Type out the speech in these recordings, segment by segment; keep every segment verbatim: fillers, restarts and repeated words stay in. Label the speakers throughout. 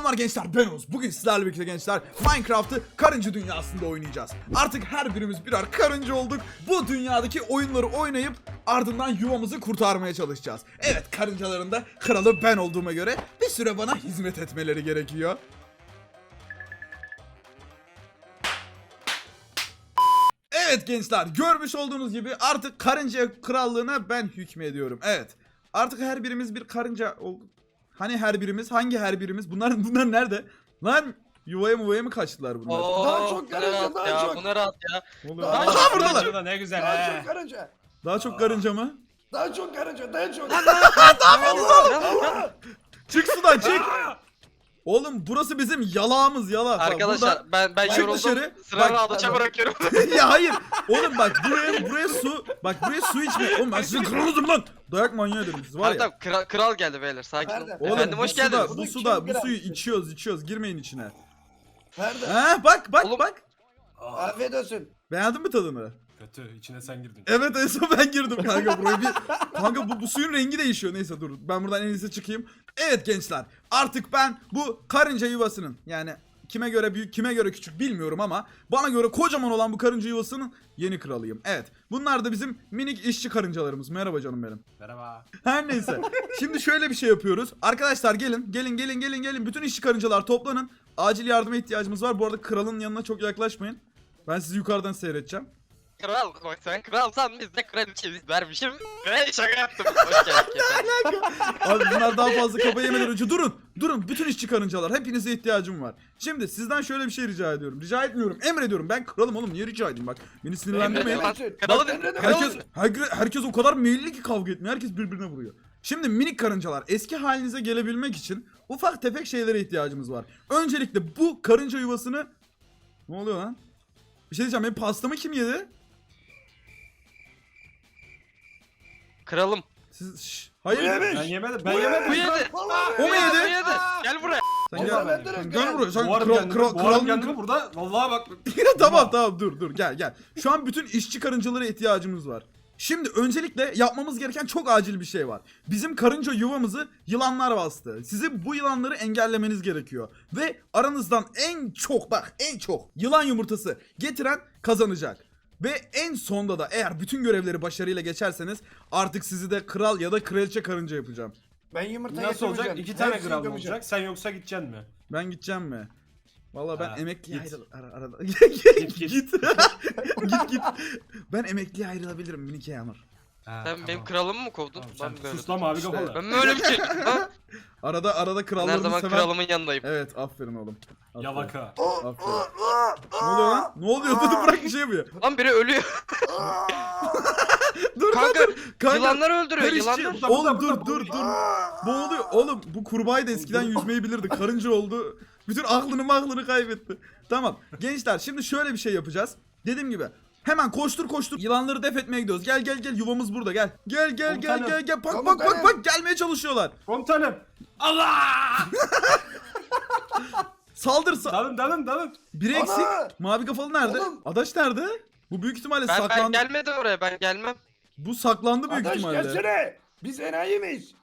Speaker 1: Selamlar gençler, ben Oğuz. Bugün sizlerle birlikte gençler Minecraft'ı karınca dünyasında oynayacağız. Artık her birimiz birer karınca olduk. Bu dünyadaki oyunları oynayıp ardından yuvamızı kurtarmaya çalışacağız. Evet, karıncaların da kralı ben olduğuma göre bir süre bana hizmet etmeleri gerekiyor. Evet gençler, görmüş olduğunuz gibi artık karınca krallığına ben hükmediyorum. Evet, artık her birimiz bir karınca olduk. Hani her birimiz? Hangi her birimiz? Bunlar bunlar nerede? Lan yuvaya muvaya mı kaçtılar bunlar?
Speaker 2: Oo,
Speaker 3: Daha çok
Speaker 2: bu ne
Speaker 3: karınca,
Speaker 2: rahat
Speaker 3: daha
Speaker 2: ya,
Speaker 3: çok.
Speaker 2: Bu ne rahat ya.
Speaker 1: Ne oluyor?
Speaker 3: Daha
Speaker 1: Aha
Speaker 3: çok
Speaker 1: buradalar.
Speaker 3: karınca.
Speaker 4: Ne güzel
Speaker 3: Daha
Speaker 4: he.
Speaker 3: çok karınca.
Speaker 1: Daha çok karınca mı?
Speaker 3: Daha çok karınca, daha çok.
Speaker 1: Çık sudan çık. Oğlum burası bizim yalağımız yalak. Bak,
Speaker 2: Arkadaşlar
Speaker 1: burada-
Speaker 2: ben ben
Speaker 1: Çık
Speaker 2: yoruldum.
Speaker 1: dışarı.
Speaker 2: Sıranı
Speaker 1: Bak-
Speaker 2: aldıça bırakıyorum.
Speaker 1: ya hayır. Oğlum bak buraya buraya su. Bak buraya su içme. Oğlum ben sizin kralınızım lan. Dayak manyağı ederim siz var
Speaker 2: Tamam
Speaker 1: ya.
Speaker 2: tamam kral, kral geldi beyler sakin olun.
Speaker 3: Nerede?
Speaker 1: Oğlum
Speaker 2: Efendim
Speaker 1: bu
Speaker 2: hoş
Speaker 1: suda,
Speaker 2: geldiniz.
Speaker 1: bu
Speaker 3: Bunu
Speaker 1: suda
Speaker 3: kim
Speaker 1: bu suyu
Speaker 3: kırar?
Speaker 1: içiyoruz içiyoruz. Girmeyin içine.
Speaker 3: Nerede?
Speaker 1: Ha bak bak
Speaker 2: Oğlum-
Speaker 1: bak.
Speaker 3: Afiyet olsun.
Speaker 1: Beğendin mi tadını?
Speaker 4: Kötü, içine sen girdin.
Speaker 1: Evet en son ben girdim kanka buraya bir... Kanka bu, bu suyun rengi değişiyor. Neyse dur ben buradan en iyisi çıkayım. Evet gençler artık ben bu karınca yuvasının yani kime göre büyük kime göre küçük bilmiyorum ama bana göre kocaman olan bu karınca yuvasının yeni kralıyım. Evet bunlar da bizim minik işçi karıncalarımız. Merhaba canım benim.
Speaker 4: Merhaba.
Speaker 1: Her neyse. Şimdi şöyle bir şey yapıyoruz. Arkadaşlar gelin gelin gelin gelin gelin. Bütün işçi karıncalar toplanın. Acil yardıma ihtiyacımız var. Bu arada kralın yanına çok yaklaşmayın. Ben sizi yukarıdan seyredeceğim.
Speaker 2: Kral bak sen kralsan biz de kraliçeyiz vermişim. Ve şaka yaptım. Hoş geldik efendim.
Speaker 1: Abi bunlar daha fazla kafa yemeden önce durun. Durun bütün işçi karıncalar. Hepinize ihtiyacım var. Şimdi sizden şöyle bir şey rica ediyorum. Rica etmiyorum. Emrediyorum. Ben kralım oğlum. Niye rica edeyim bak. Beni sinirlendirmeyin.
Speaker 2: Emrediyorum.
Speaker 3: Emredin.
Speaker 2: Kralım,
Speaker 3: Emredin.
Speaker 1: Herkes, herkes, herkes o kadar meyilli ki kavga etmiyor. Herkes birbirine vuruyor. Şimdi minik karıncalar eski halinize gelebilmek için ufak tefek şeylere ihtiyacımız var. Öncelikle bu karınca yuvasını... Ne oluyor lan? Bir şey diyeceğim. Benim pastamı kim yedi?
Speaker 2: Kralım.
Speaker 1: Siz... Şş, hayır.
Speaker 3: Bu yemiş.
Speaker 4: Ben yemedim, ben
Speaker 3: Bu
Speaker 4: yemedim.
Speaker 2: Bu yedi.
Speaker 3: Vallahi
Speaker 1: O mu yedi?
Speaker 2: Bu yedi. Gel buraya.
Speaker 1: Sen
Speaker 3: Vallahi
Speaker 1: gel.
Speaker 3: ben direkt
Speaker 1: Sen gel
Speaker 3: gel.
Speaker 1: buraya. Sen
Speaker 4: Boğarım
Speaker 1: kral,
Speaker 4: kendimi,
Speaker 1: kral,
Speaker 4: boğarım
Speaker 1: kralın...
Speaker 4: kendimi burada. Vallahi bak.
Speaker 1: tamam tamam dur dur gel gel. Şu an bütün işçi karıncalara ihtiyacımız var. Şimdi öncelikle yapmamız gereken çok acil bir şey var. Bizim karınca yuvamızı yılanlar bastı. Sizi bu yılanları engellemeniz gerekiyor. Ve aranızdan en çok bak en çok yılan yumurtası getiren kazanacak. Ve en sonda da eğer bütün görevleri başarıyla geçerseniz artık sizi de kral ya da kraliçe karınca yapacağım.
Speaker 3: Ben yumurta
Speaker 4: Nasıl olacak?
Speaker 3: getirmeyeceğim.
Speaker 4: İki tane
Speaker 3: Hepsini
Speaker 4: gram
Speaker 3: gömeceğim.
Speaker 4: olacak. Sen yoksa gideceksin mi?
Speaker 1: Ben gideceğim mi? Vallahi ben
Speaker 4: Ha,
Speaker 1: emekliye
Speaker 4: git.
Speaker 1: ayrıl... Ara, arada...
Speaker 4: Git,
Speaker 1: git.
Speaker 4: git.
Speaker 1: git git. Ben emekliye ayrılabilirim minik Yağmur.
Speaker 4: Ha,
Speaker 2: Sen
Speaker 4: tamam.
Speaker 2: benim kralımı mı kovdun?
Speaker 4: Tamam,
Speaker 2: Ben
Speaker 4: sen
Speaker 2: böyle.
Speaker 4: sus lan mavi
Speaker 1: İşte.
Speaker 4: kafalı.
Speaker 2: Ben böyle bir şey. Ha?
Speaker 1: Arada arada
Speaker 2: Ben her
Speaker 1: krallarımı
Speaker 2: zaman
Speaker 1: seven...
Speaker 2: kralımın yanındayım.
Speaker 1: Evet aferin oğlum. Aferin.
Speaker 4: Yalaka.
Speaker 1: Aferin. Ne oluyor lan? Ne oluyor? Dur dur bırak bir şey yapıyor.
Speaker 2: Lan biri ölüyor.
Speaker 1: Dur
Speaker 2: Kanka,
Speaker 1: dur dur. Kanka.
Speaker 2: Yılanlar öldürüyor
Speaker 1: her işçi-
Speaker 2: yılanlar.
Speaker 4: Burada,
Speaker 1: Oğlum
Speaker 4: burada,
Speaker 1: dur
Speaker 4: burada,
Speaker 1: dur
Speaker 4: burada.
Speaker 1: dur. Boğuluyor. Oğlum bu kurbağayı da eskiden yüzmeyi bilirdi. Karınca oldu. Bütün aklını maklını kaybetti. Tamam. Gençler şimdi şöyle bir şey yapacağız. Dediğim gibi. Hemen koştur koştur. Yılanları def etmeye gidiyoruz. Gel gel gel yuvamız burada gel. Gel gel gel
Speaker 4: Komutanım.
Speaker 1: gel gel. Bak
Speaker 3: Tamam,
Speaker 1: bak bak
Speaker 3: benim.
Speaker 1: bak gelmeye çalışıyorlar.
Speaker 4: Komutanım. Allah!
Speaker 1: Saldır sa-
Speaker 4: Dalın dalın dalın.
Speaker 1: Biri
Speaker 3: Ana!
Speaker 1: eksik. Mavi kafalı nerede?
Speaker 3: Oğlum.
Speaker 1: Adaş nerede? Bu büyük ihtimalle
Speaker 2: Ben, ben
Speaker 1: saklandı.
Speaker 2: gelmedim oraya ben gelmem.
Speaker 1: Bu saklandı büyük
Speaker 3: Adaş
Speaker 1: ihtimalle.
Speaker 3: gelsene. Biz enayi miyiz?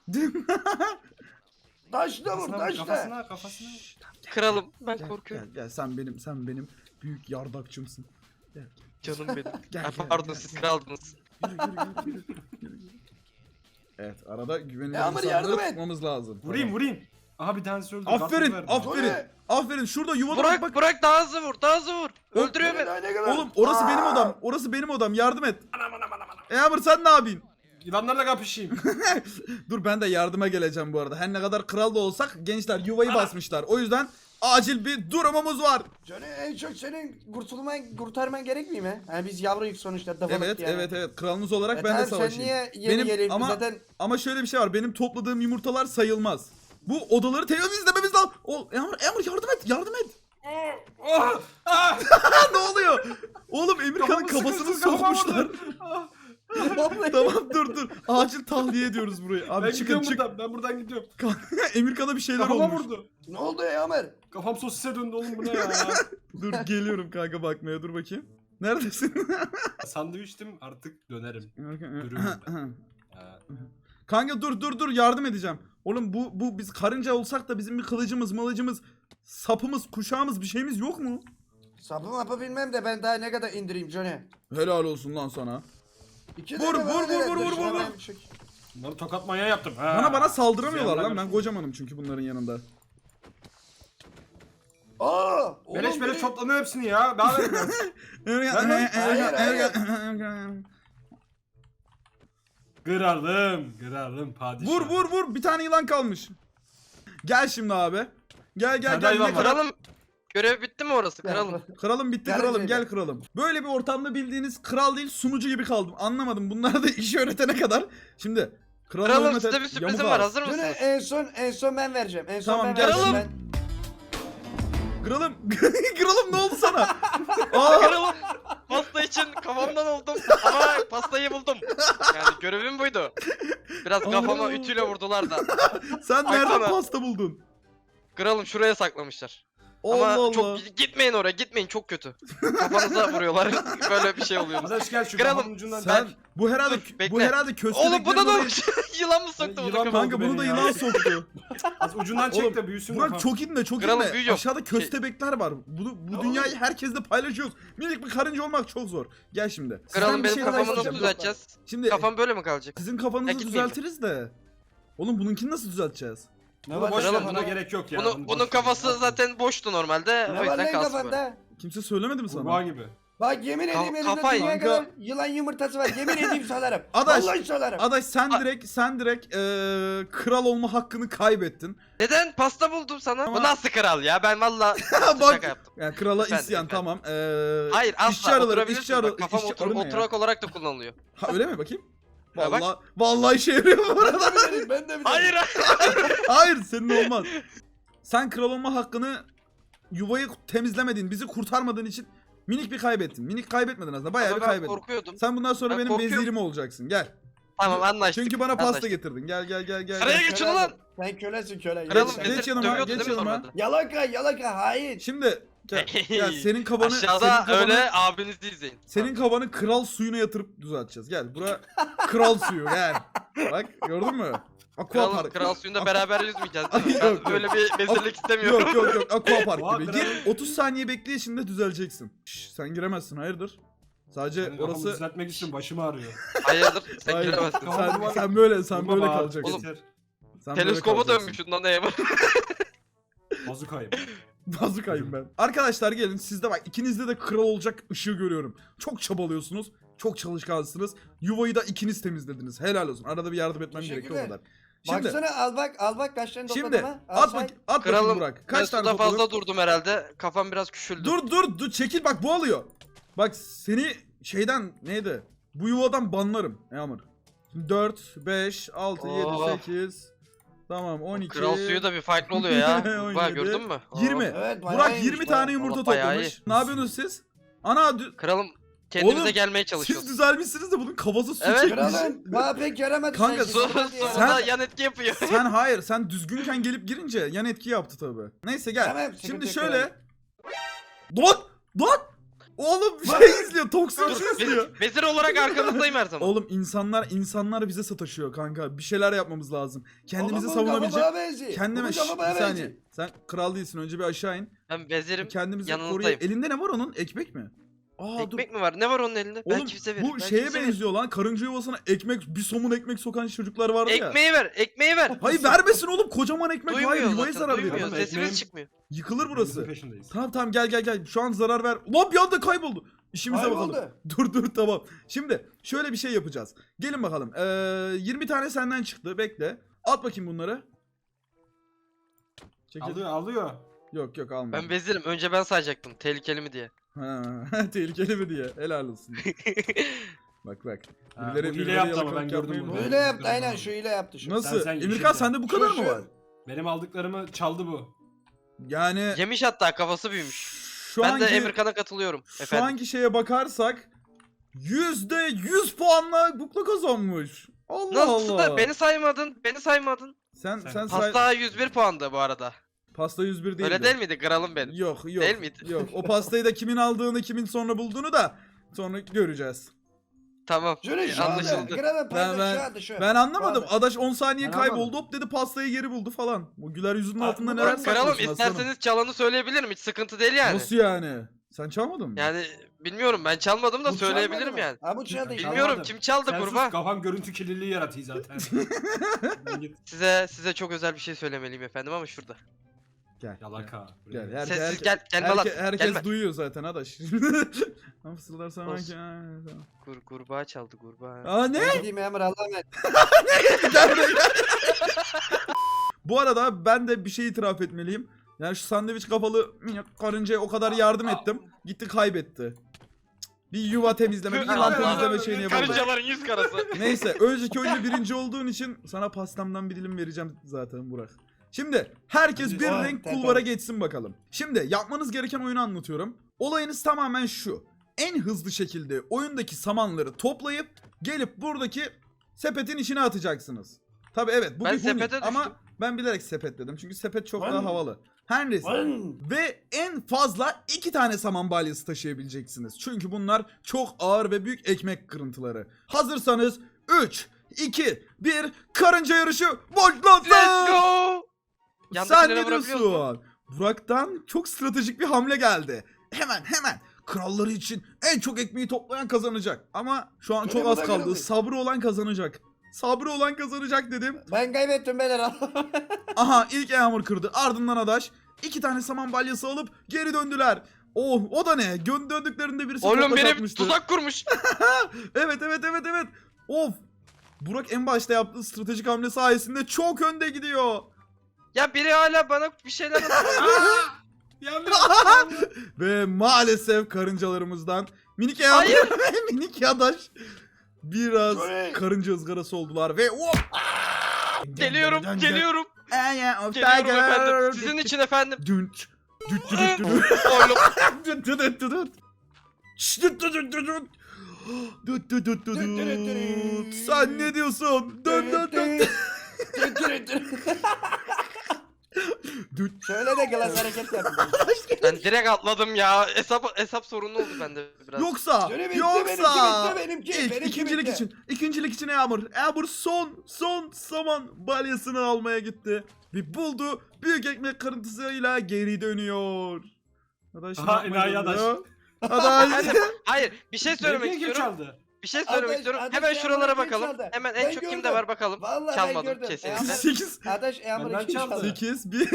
Speaker 3: Taşla vur
Speaker 4: Kafasına,
Speaker 3: taşla.
Speaker 4: kafasına, kafasına.
Speaker 2: Kralım ben
Speaker 1: Gel,
Speaker 2: korkuyorum.
Speaker 1: Gel, gel sen benim sen benim büyük yardakçımsın. Gel.
Speaker 2: Canım benim.
Speaker 1: Gel,
Speaker 2: Ha,
Speaker 1: gel,
Speaker 2: pardon
Speaker 1: gel,
Speaker 2: siz
Speaker 1: gel.
Speaker 2: kraldınız.
Speaker 1: Yürü, yürü, yürü, yürü, yürü, yürü. Evet arada güvenilir
Speaker 3: Ya Amr,
Speaker 1: insanları
Speaker 3: yardım et.
Speaker 1: tutmamız lazım.
Speaker 4: Vurayım
Speaker 1: Tamam.
Speaker 4: vurayım. Aha bir tanesi öldü.
Speaker 1: Aferin
Speaker 4: Kartopu verdim.
Speaker 1: aferin.
Speaker 3: Oraya.
Speaker 1: Aferin şurada yuvada bak
Speaker 2: Bırak
Speaker 1: bak.
Speaker 2: bırak daha hızlı vur daha hızlı vur. Öldürüyor beni.
Speaker 3: Ne kadar?
Speaker 1: Oğlum orası benim
Speaker 3: Aa!
Speaker 1: odam. Orası benim odam. Yardım et. E Amr sen ne yapayım?
Speaker 4: Yılanlarla kapışayım.
Speaker 1: Dur ben de yardıma geleceğim bu arada. Her ne kadar kral da olsak gençler yuvayı basmışlar. O yüzden acil bir durumumuz var.
Speaker 3: Johnny en çok senin kurtulman, kurtarman gerekmiyor mi? Yani biz yavruyuz sonuçta. Dafalık
Speaker 1: Evet
Speaker 3: yani.
Speaker 1: evet evet. Kralınız olarak
Speaker 3: E
Speaker 1: ben de
Speaker 3: tamam,
Speaker 1: savaşayım.
Speaker 3: sen niye yeni
Speaker 1: Benim-
Speaker 3: geliyorsun
Speaker 1: ama-
Speaker 3: zaten?
Speaker 1: Ama şöyle bir şey var. Benim topladığım yumurtalar sayılmaz. Bu odaları temizlememiz lazım. O Emir, Emir yardım et, yardım et.
Speaker 4: Oh! Ah!
Speaker 1: ne oluyor? Oğlum Emirkan'ın
Speaker 4: Kafamı
Speaker 1: kafasını
Speaker 4: sıkıştı, kafama
Speaker 1: sokmuşlar.
Speaker 4: vurdu. Ah!
Speaker 1: tamam dur dur. Acil tahliye ediyoruz burayı. Abi
Speaker 4: Ben
Speaker 1: çıkın
Speaker 4: gidiyorum
Speaker 1: çık.
Speaker 4: buradan. Ben buradan gidiyorum.
Speaker 1: Emirkan'a bir şeyler
Speaker 4: Kafama
Speaker 1: olmuş.
Speaker 4: vurdu.
Speaker 3: Ne oldu ya Ömer?
Speaker 4: Kafam sosise döndü oğlum bu ne ya?
Speaker 1: Dur geliyorum kanka bakmaya dur bakayım. Neredesin?
Speaker 4: Sandviçtim artık dönerim. Dürüm. Ha.
Speaker 1: kanka dur dur dur yardım edeceğim. Oğlum bu bu biz karınca olsak da bizim bir kılıcımız, mılıcımız, sapımız, kuşağımız bir şeyimiz yok mu?
Speaker 3: Sapı mapı bilmem de ben daha ne kadar indireyim Johnny.
Speaker 1: Helal olsun lan sana.
Speaker 3: İki
Speaker 1: Vur,
Speaker 3: tane
Speaker 1: vur,
Speaker 3: var,
Speaker 1: vur,
Speaker 3: evet,
Speaker 1: vur,
Speaker 3: dur
Speaker 1: vur,
Speaker 3: şuna
Speaker 1: vur,
Speaker 3: ben
Speaker 1: vur.
Speaker 3: bir çek-
Speaker 4: Bunları tokat manyağı yaptım. Ha.
Speaker 1: Bana bana saldıramıyorlar
Speaker 4: Ziyanlar
Speaker 1: lan. Ben
Speaker 4: görsün.
Speaker 1: kocamanım çünkü bunların yanında.
Speaker 3: Aa! oğlum
Speaker 4: Beleş beleş
Speaker 3: biri-
Speaker 4: toplanıyor hepsini ya. Daha verin biraz.
Speaker 3: hayır, hayır.
Speaker 4: Kıralım. Kıralım padişah.
Speaker 1: Vur vur vur. Bir tane yılan kalmış. Gel şimdi abi. Gel gel
Speaker 4: Sende
Speaker 1: gel.
Speaker 4: yılan
Speaker 1: Ne
Speaker 4: var.
Speaker 1: kadar-
Speaker 2: Kralım. Görev bitti mi orası kralım?
Speaker 1: Kralım bitti
Speaker 3: Gel
Speaker 1: kralım
Speaker 3: Recep.
Speaker 1: gel kralım. Böyle bir ortamda bildiğiniz kral değil sunucu gibi kaldım. Anlamadım. Bunlar da işi öğretene kadar. Şimdi kralı
Speaker 2: Kralım
Speaker 1: hürmet et,
Speaker 2: size bir sürprizim
Speaker 1: yamuk
Speaker 2: var
Speaker 1: ağız.
Speaker 2: hazır
Speaker 3: Johnny
Speaker 2: mısınız?
Speaker 3: en son en son ben vereceğim. En son
Speaker 1: Tamam,
Speaker 3: ben
Speaker 1: gel
Speaker 3: vereceğim.
Speaker 2: Kralım.
Speaker 3: Ben...
Speaker 1: Kralım kralım ne oldu sana? Aa,
Speaker 2: Kralım pasta için kafamdan oldum ama pastayı buldum. Yani görevim buydu. Biraz kafama
Speaker 1: Allah.
Speaker 2: ütüyle vurdular da.
Speaker 1: sen
Speaker 2: Ay
Speaker 1: nereden
Speaker 2: sana.
Speaker 1: pasta buldun?
Speaker 2: Kralım şuraya saklamışlar.
Speaker 1: Allah
Speaker 2: Ama
Speaker 1: Allah.
Speaker 2: çok gitmeyin oraya gitmeyin çok kötü. Kafanıza vuruyorlar. Böyle bir şey oluyor.
Speaker 4: Arkadaş gel şu
Speaker 2: Kralım,
Speaker 4: kafamın ucundan.
Speaker 1: Sen bu herhalde
Speaker 2: Dur, bekle.
Speaker 1: bu herhalde köstebeklerin
Speaker 2: Oğlum bu da
Speaker 1: orayı-
Speaker 2: da yılan mı soktu bunu
Speaker 4: Yılan
Speaker 2: kafama?
Speaker 1: Kanka bunu da
Speaker 4: beni ya.
Speaker 1: yılan soktu.
Speaker 4: Az ucundan
Speaker 1: Oğlum,
Speaker 4: çek de büyüsün
Speaker 1: Burak
Speaker 4: kafam.
Speaker 1: çok inme çok
Speaker 2: Kralım,
Speaker 1: inme.
Speaker 2: büyüyor.
Speaker 1: Aşağıda
Speaker 2: Şey-
Speaker 1: köstebekler var. Bu, bu
Speaker 4: Ya
Speaker 1: dünyayı
Speaker 4: oğlum.
Speaker 1: herkesle paylaşıyoruz. Minik bir karınca olmak çok zor. Gel şimdi. Sizden
Speaker 2: Kralım
Speaker 1: bir
Speaker 2: benim
Speaker 1: şey daha
Speaker 2: kafamı nasıl
Speaker 1: isteyeceğim.
Speaker 2: düzelteceğiz?
Speaker 1: Şimdi
Speaker 2: Kafam böyle mi kalacak?
Speaker 1: sizin
Speaker 2: Ya
Speaker 1: kafanızı
Speaker 2: gitmeyeyim mi?
Speaker 1: düzeltiriz de. Oğlum bununkini nasıl düzelteceğiz?
Speaker 3: Ne
Speaker 4: Bunu
Speaker 3: var
Speaker 4: boş ver
Speaker 2: Kralım,
Speaker 4: buna
Speaker 2: bunu-
Speaker 4: gerek yok ya.
Speaker 2: Bunu,
Speaker 4: Bunu
Speaker 2: bunun
Speaker 4: boş ver.
Speaker 2: kafası zaten boştu normalde.
Speaker 3: Ne
Speaker 2: O
Speaker 3: var
Speaker 2: yüzden
Speaker 3: lan
Speaker 2: kalsın böyle.
Speaker 3: kafanda?
Speaker 1: Kimse söylemedi mi sana?
Speaker 4: Kurbağa gibi.
Speaker 3: Bak yemin
Speaker 2: Ka-
Speaker 3: edeyim elimde
Speaker 2: kafayı-
Speaker 3: dünya
Speaker 1: Kanka.
Speaker 3: kadar yılan yumurtası var. Yemin edeyim salarım.
Speaker 1: Adaş,
Speaker 3: Vallahi salarım.
Speaker 1: Adaş sen
Speaker 2: A-
Speaker 1: direkt sen direkt eee, kral olma hakkını kaybettin.
Speaker 2: Neden? Pasta buldum sana.
Speaker 1: Ama-
Speaker 2: Bu nasıl kral ya? Ben valla
Speaker 1: Bak.
Speaker 2: şaka yaptım.
Speaker 1: Yani krala
Speaker 2: Efendim,
Speaker 1: isyan
Speaker 2: efendim.
Speaker 1: tamam. Eee
Speaker 2: Hayır
Speaker 1: işçi
Speaker 2: asla
Speaker 1: arıları,
Speaker 2: oturabilirsin.
Speaker 1: işçi arı,
Speaker 2: Bak, kafam
Speaker 1: işçi
Speaker 2: otur,
Speaker 1: arı ne ya?
Speaker 2: oturak olarak da kullanılıyor.
Speaker 1: Ha öyle mi bakayım?
Speaker 2: Ha, bak.
Speaker 1: Vallahi vallahi işe yarıyor bu arada.
Speaker 3: Ben de bilirim, ben de bilirim.
Speaker 2: Hayır
Speaker 1: Hayır senin olmaz. Sen kral olma hakkını yuvayı temizlemediğin, bizi kurtarmadığın için minik bir kaybettin. Minik kaybetmedin aslında. Bayağı bir
Speaker 2: ben
Speaker 1: kaybettin.
Speaker 2: korkuyordum.
Speaker 1: Sen bundan sonra
Speaker 2: Ben
Speaker 1: benim
Speaker 2: korkuyorum.
Speaker 1: vezirim olacaksın. Gel.
Speaker 2: Tamam anlaştık.
Speaker 1: Çünkü bana pasta
Speaker 2: anlaştık.
Speaker 1: getirdin. Gel gel gel gel.
Speaker 2: Sıraya
Speaker 1: gel.
Speaker 2: geçin ulan.
Speaker 3: Sen kölesin köle.
Speaker 2: Kralım
Speaker 3: Geç-
Speaker 1: geç
Speaker 2: vezir
Speaker 1: yanıma,
Speaker 2: dövüyordu
Speaker 1: geç
Speaker 2: değil mi
Speaker 1: yanıma.
Speaker 2: normalde?
Speaker 3: Yalaka yalaka hain.
Speaker 1: Şimdi gel, gel senin kafanı senin
Speaker 2: Aşağıda
Speaker 1: kafanı,
Speaker 2: öyle abinizi izleyin.
Speaker 1: senin kafanı kral suyuna yatırıp düzelteceğiz. Gel. Bura kral suyu gel. Bak gördün mü? Aqua
Speaker 2: Kral,
Speaker 1: park.
Speaker 2: kral suyunda beraber yüzmeyeceğiz değil mi?
Speaker 1: Yok,
Speaker 2: Ben
Speaker 1: yok.
Speaker 2: böyle bir vezirlik istemiyorum.
Speaker 1: Yok yok yok aqua park
Speaker 4: Oha,
Speaker 1: gibi.
Speaker 4: kral.
Speaker 1: Gir otuz saniye bekle şimdi düzeleceksin. Şş, sen giremezsin hayırdır? Sadece
Speaker 4: Senin kafamı
Speaker 1: orası
Speaker 4: düzeltmek için başım ağrıyor.
Speaker 2: Hayırdır sen
Speaker 1: Hayır,
Speaker 2: giremezsin.
Speaker 1: sen, sen böyle sen
Speaker 4: Vurma
Speaker 1: böyle
Speaker 4: bana,
Speaker 1: kalacaksın.
Speaker 2: Oğlum,
Speaker 4: yeter.
Speaker 1: Sen böyle
Speaker 2: Teleskoba
Speaker 1: kalacaksın.
Speaker 2: dönmüşsün lan neye bak.
Speaker 4: Bazukayım.
Speaker 1: Bazukayım ben. Arkadaşlar gelin sizde bak ikinizde de kral olacak ışığı görüyorum. Çok çabalıyorsunuz. Çok çalışkansınız. Yuvayı da ikiniz temizlediniz. Helal olsun. Arada bir yardım etmem gerekiyor o
Speaker 3: Teşekkürler.
Speaker 1: kadar. Şimdi
Speaker 3: Baksana al bak al bak kaç tane topladım
Speaker 1: şimdi
Speaker 3: ha. Al
Speaker 1: at
Speaker 3: say.
Speaker 1: bak at bakayım
Speaker 2: Kralım
Speaker 1: Burak.
Speaker 2: ben
Speaker 1: Kaç tane
Speaker 2: suda
Speaker 1: topladın?
Speaker 2: fazla durdum herhalde. Kafam biraz küçüldü.
Speaker 1: Dur dur dur çekil bak bu alıyor. Bak seni şeyden neydi? Bu yuvadan banlarım Yağmur. dört, beş, altı, yedi,
Speaker 2: Oh.
Speaker 1: sekiz. Tamam on iki.
Speaker 2: Kral suyu da bir farklı oluyor ya.
Speaker 1: on
Speaker 2: Bak
Speaker 1: yedi,
Speaker 2: gördün mü?
Speaker 1: yirmi.
Speaker 3: Evet, bayağı
Speaker 1: Burak
Speaker 3: iyiymiş,
Speaker 1: yirmi
Speaker 3: bayağı.
Speaker 1: tane yumurta
Speaker 2: Allah bayağı
Speaker 1: toplamış.
Speaker 2: iyi.
Speaker 1: Ne yapıyorsunuz siz? Ana dü-
Speaker 2: Kralım kendimize
Speaker 1: Oğlum,
Speaker 2: gelmeye
Speaker 1: siz
Speaker 2: çalışıyoruz.
Speaker 1: düzelmişsiniz de bunun kafası su
Speaker 2: Evet.
Speaker 1: çekmiş.
Speaker 3: Kralım bana pek yaramadı.
Speaker 1: Kanka,
Speaker 3: sanki.
Speaker 2: Sonra,
Speaker 3: Hadi ya.
Speaker 2: sonra
Speaker 1: Sen-
Speaker 2: yan etki yapıyor.
Speaker 1: Sen hayır sen düzgünken gelip girince yan etki yaptı tabi. Neyse gel.
Speaker 3: Tamam, sıkıntı
Speaker 1: Şimdi
Speaker 3: yok,
Speaker 1: şöyle. Don! Don! Oğlum bir şey izliyor. Toksin
Speaker 2: Dur,
Speaker 1: şey izliyor.
Speaker 2: vezir, vezir olarak arkanızdayım her zaman.
Speaker 1: Oğlum insanlar insanlar bize sataşıyor kanka. Bir şeyler yapmamız lazım. Kendimizi
Speaker 3: Oğlum, bu kafa
Speaker 1: savunabilecek.
Speaker 3: bana benziyor.
Speaker 1: Kendime
Speaker 3: Bu
Speaker 1: Şşş,
Speaker 3: kafa
Speaker 1: bir
Speaker 3: bana
Speaker 1: saniye.
Speaker 3: benziyor.
Speaker 1: Sen kral değilsin. Önce bir aşağı in.
Speaker 2: Ben vezirim.
Speaker 1: Kendimizi
Speaker 2: yanınızdayım.
Speaker 1: koruyup. Elinde ne var onun? Ekmek mi? Aa
Speaker 2: Ekmek mi var? Ne var onun elinde?
Speaker 1: dur. Oğlum
Speaker 2: Belki bize verir.
Speaker 1: bu
Speaker 2: belki
Speaker 1: şeye
Speaker 2: bize verir.
Speaker 1: benziyor lan. Karınca yuvasına ekmek, bir somun ekmek sokan çocuklar vardı ya.
Speaker 2: Ekmeği ver, ekmeği ver.
Speaker 1: Hayır vermesin oğlum. Kocaman ekmek.
Speaker 2: Duymuyor
Speaker 1: Hayır yuvaya
Speaker 2: zaten,
Speaker 1: zarar
Speaker 2: duymuyor.
Speaker 1: verir.
Speaker 4: Oğlum,
Speaker 2: Sesimiz
Speaker 4: ekmeğim-
Speaker 2: çıkmıyor.
Speaker 1: Yıkılır burası.
Speaker 4: Bizim peşindeyiz.
Speaker 1: Tamam tamam gel gel gel. Şu an zarar ver. Lan bir anda kayboldu. İşimize
Speaker 3: Kayboldu.
Speaker 1: bakalım. Dur dur tamam. Şimdi şöyle bir şey yapacağız. Gelin bakalım. Ee, yirmi tane senden çıktı. Bekle. At bakayım bunları. Çekil.
Speaker 4: Alıyor alıyor.
Speaker 1: Yok yok alma.
Speaker 2: Ben vezirim. Önce ben sayacaktım. Tehlikeli mi diye.
Speaker 1: Ha, tehlikeli mi diye. Helal olsun. Bak bak.
Speaker 4: Ha,
Speaker 1: Birileri-
Speaker 4: bu hile
Speaker 1: birileri
Speaker 4: yaptı ama ben
Speaker 1: yalakalık
Speaker 4: gördüm
Speaker 1: yapmayı
Speaker 4: bunu.
Speaker 1: bilmiyor.
Speaker 3: Öyle yaptı aynen şu ile yaptı şu.
Speaker 1: Nasıl?
Speaker 4: Sen- sen
Speaker 1: Emirkan
Speaker 4: yeşilde.
Speaker 1: sende bu kadar
Speaker 3: Şu-
Speaker 1: mı
Speaker 3: şu-
Speaker 1: var?
Speaker 4: Benim aldıklarımı çaldı bu.
Speaker 1: Yani
Speaker 2: Yemiş hatta kafası büyümüş.
Speaker 1: şu
Speaker 2: ben
Speaker 1: anki,
Speaker 2: de Emirkan'a katılıyorum.
Speaker 1: şu
Speaker 2: Efendim.
Speaker 1: anki şeye bakarsak yüzde yüz puanla bukla kazanmış. Allah
Speaker 2: Nasıl
Speaker 1: Allah.
Speaker 2: da beni saymadın? Beni saymadın.
Speaker 1: Sen
Speaker 4: Sen-
Speaker 1: sen say...
Speaker 2: Pasta yüz bir puandı bu arada.
Speaker 1: Pasta yüz bir değil.
Speaker 2: Öyle değil miydi? Kralım benim.
Speaker 1: Yok yok.
Speaker 2: Değil miydi?
Speaker 1: Yok. O pastayı da kimin aldığını, kimin sonra bulduğunu da sonra göreceğiz.
Speaker 2: Tamam.
Speaker 3: Şöyle
Speaker 2: e,
Speaker 3: şu anda.
Speaker 2: anlaşıldı.
Speaker 3: Kralın
Speaker 1: Ben
Speaker 3: payı
Speaker 1: ben
Speaker 3: şu anda şu.
Speaker 1: ben anlamadım.
Speaker 3: Şu anda.
Speaker 1: Adaş on saniye
Speaker 4: Ben
Speaker 1: kayboldu.
Speaker 4: anlamadım.
Speaker 1: Hop dedi pastayı geri buldu falan. Bu güler yüzünün
Speaker 4: Abi,
Speaker 1: altında
Speaker 4: bu
Speaker 1: neler
Speaker 4: kralım,
Speaker 2: Kralım
Speaker 1: saklıyorsun aslanım?
Speaker 2: isterseniz çalanı söyleyebilirim. Hiç sıkıntı değil yani.
Speaker 1: Nasıl yani? Sen çalmadın mı?
Speaker 2: Yani bilmiyorum ben çalmadım da
Speaker 3: Bu
Speaker 2: söyleyebilirim
Speaker 3: çalmadı mı?
Speaker 2: yani.
Speaker 3: Ha bu çaldı.
Speaker 4: Bilmiyorum.
Speaker 2: Bilmiyorum kim çaldı
Speaker 4: Sen sus,
Speaker 2: kurban.
Speaker 4: kafam görüntü kirliliği yaratıyor zaten. Ben git.
Speaker 2: Size size çok özel bir şey söylemeliyim efendim ama şurada.
Speaker 1: Gel.
Speaker 4: Yalaka.
Speaker 1: Gel.
Speaker 4: Buraya.
Speaker 1: Gel.
Speaker 2: Sessiz
Speaker 1: herke-
Speaker 2: gel gelme lan.
Speaker 1: herke- herkes
Speaker 2: Gelme.
Speaker 1: duyuyor zaten Adaş. Ama fısıldarsan
Speaker 2: Olsun.
Speaker 1: belki. Ha, tamam.
Speaker 2: Kur, kurbağa çaldı kurbağa.
Speaker 1: Aa ne?
Speaker 3: Ben gideyim Emre Allah'a emanet.
Speaker 1: Gel buraya, gel. Bu arada ben de bir şey itiraf etmeliyim. Yani şu sandviç kafalı minik karıncaya o kadar yardım ettim. Gitti kaybetti. Bir yuva temizleme, bir yılan
Speaker 2: Allah
Speaker 1: temizleme
Speaker 4: Allah.
Speaker 1: şeyini yapalım.
Speaker 2: Karıncaların yüz karası.
Speaker 1: Neyse önceki oyunda birinci olduğun için sana pastamdan bir dilim vereceğim zaten Burak. Şimdi herkes bir
Speaker 3: Aa,
Speaker 1: renk
Speaker 3: tamam.
Speaker 1: kulvara geçsin bakalım. Şimdi yapmanız gereken oyunu anlatıyorum. Olayınız tamamen şu. En hızlı şekilde oyundaki samanları toplayıp gelip buradaki sepetin içine atacaksınız. Tabi evet bu
Speaker 2: Ben
Speaker 1: bir huni
Speaker 2: sepete
Speaker 1: ama
Speaker 2: düştüm.
Speaker 1: ben bilerek sepet dedim çünkü sepet çok
Speaker 3: Lan.
Speaker 1: daha havalı. Her neyse.
Speaker 3: Lan.
Speaker 1: Ve en fazla iki tane saman balyası taşıyabileceksiniz. Çünkü bunlar çok ağır ve büyük ekmek kırıntıları. Hazırsanız üç, iki, bir karınca yarışı başlasın.
Speaker 2: Let's go.
Speaker 1: Sen
Speaker 2: Yandakilere
Speaker 1: ne
Speaker 2: vurabiliyoruz
Speaker 1: diyorsun? Burak'tan çok stratejik bir hamle geldi. Hemen hemen kralları için en çok ekmeği toplayan kazanacak. Ama şu an
Speaker 3: Öyle
Speaker 1: çok
Speaker 3: mi
Speaker 1: az
Speaker 3: lan,
Speaker 1: kaldı.
Speaker 3: öyle mi?
Speaker 1: Sabrı olan kazanacak. Sabrı olan kazanacak dedim.
Speaker 3: Ben kaybettim beyler Allah'a.
Speaker 1: Aha ilk Yağmur kırdı. Ardından Adaş iki tane saman balyası alıp geri döndüler. Oh o da ne? Gö- döndüklerinde birisi
Speaker 2: Oğlum
Speaker 1: topaç
Speaker 2: benim
Speaker 1: atmıştı.
Speaker 2: tuzak kurmuş.
Speaker 1: Evet evet evet evet. Of. Burak en başta yaptığı stratejik hamle sayesinde çok önde gidiyor.
Speaker 2: Ya biri hala bana bir şeyler atıyor.
Speaker 4: Yandım.
Speaker 1: Ve maalesef karıncalarımızdan minik Yağmur
Speaker 2: Hayır.
Speaker 1: ve minik Adaş biraz
Speaker 3: Şöyle.
Speaker 1: karınca ızgarası oldular ve hop.
Speaker 2: Geliyorum geliyorum.
Speaker 1: Aya of
Speaker 2: Geliyorum
Speaker 1: tiger.
Speaker 2: efendim. Sizin için efendim.
Speaker 1: Dünç. Düt düt düt düt.
Speaker 2: Oğlum.
Speaker 1: Düt düt düt düt düt. Şşt, düt düt düt düt düt. Düt düt düt düt
Speaker 3: Düt düt düt
Speaker 1: düt.
Speaker 3: düt.
Speaker 1: Sen ne diyorsun? Dön dön dön. Düt.
Speaker 3: Şöyle de glas hareket yap.
Speaker 2: Ben direkt atladım ya. Hesap hesap sorunu oldu bende biraz.
Speaker 1: Yoksa
Speaker 3: Şöyle bitti,
Speaker 1: yoksa
Speaker 3: benimki bitti, benimki,
Speaker 1: İlk,
Speaker 3: benimki
Speaker 1: ikincilik
Speaker 3: bitti.
Speaker 1: için ikincilik için Yağmur Yağmur son son saman balyasını almaya gitti ve buldu büyük ekmek kırıntısıyla geri dönüyor. Adaş
Speaker 4: Aha,
Speaker 1: ne yapmayı
Speaker 4: enayi
Speaker 1: deniyor? Adaş.
Speaker 2: Efendim, hayır bir şey söylemek
Speaker 4: Benimki kim
Speaker 2: istiyorum.
Speaker 4: çaldı?
Speaker 2: Bir şey söylemek
Speaker 3: Adaş-
Speaker 2: istiyorum.
Speaker 3: Adaş
Speaker 2: Hemen
Speaker 3: Yağmur'u
Speaker 2: şuralara
Speaker 3: kim
Speaker 2: bakalım.
Speaker 3: çaldı?
Speaker 2: Hemen en
Speaker 3: Ben
Speaker 2: çok kimde
Speaker 3: gördüm.
Speaker 2: var bakalım.
Speaker 3: Vallahi ben
Speaker 2: Çalmadım
Speaker 3: gördüm.
Speaker 2: kesinlikle.
Speaker 3: Yağmur-
Speaker 1: sekiz
Speaker 3: Adaş Emre
Speaker 4: Benden
Speaker 3: kim
Speaker 4: çaldı.
Speaker 3: çaldı?
Speaker 1: sekiz bir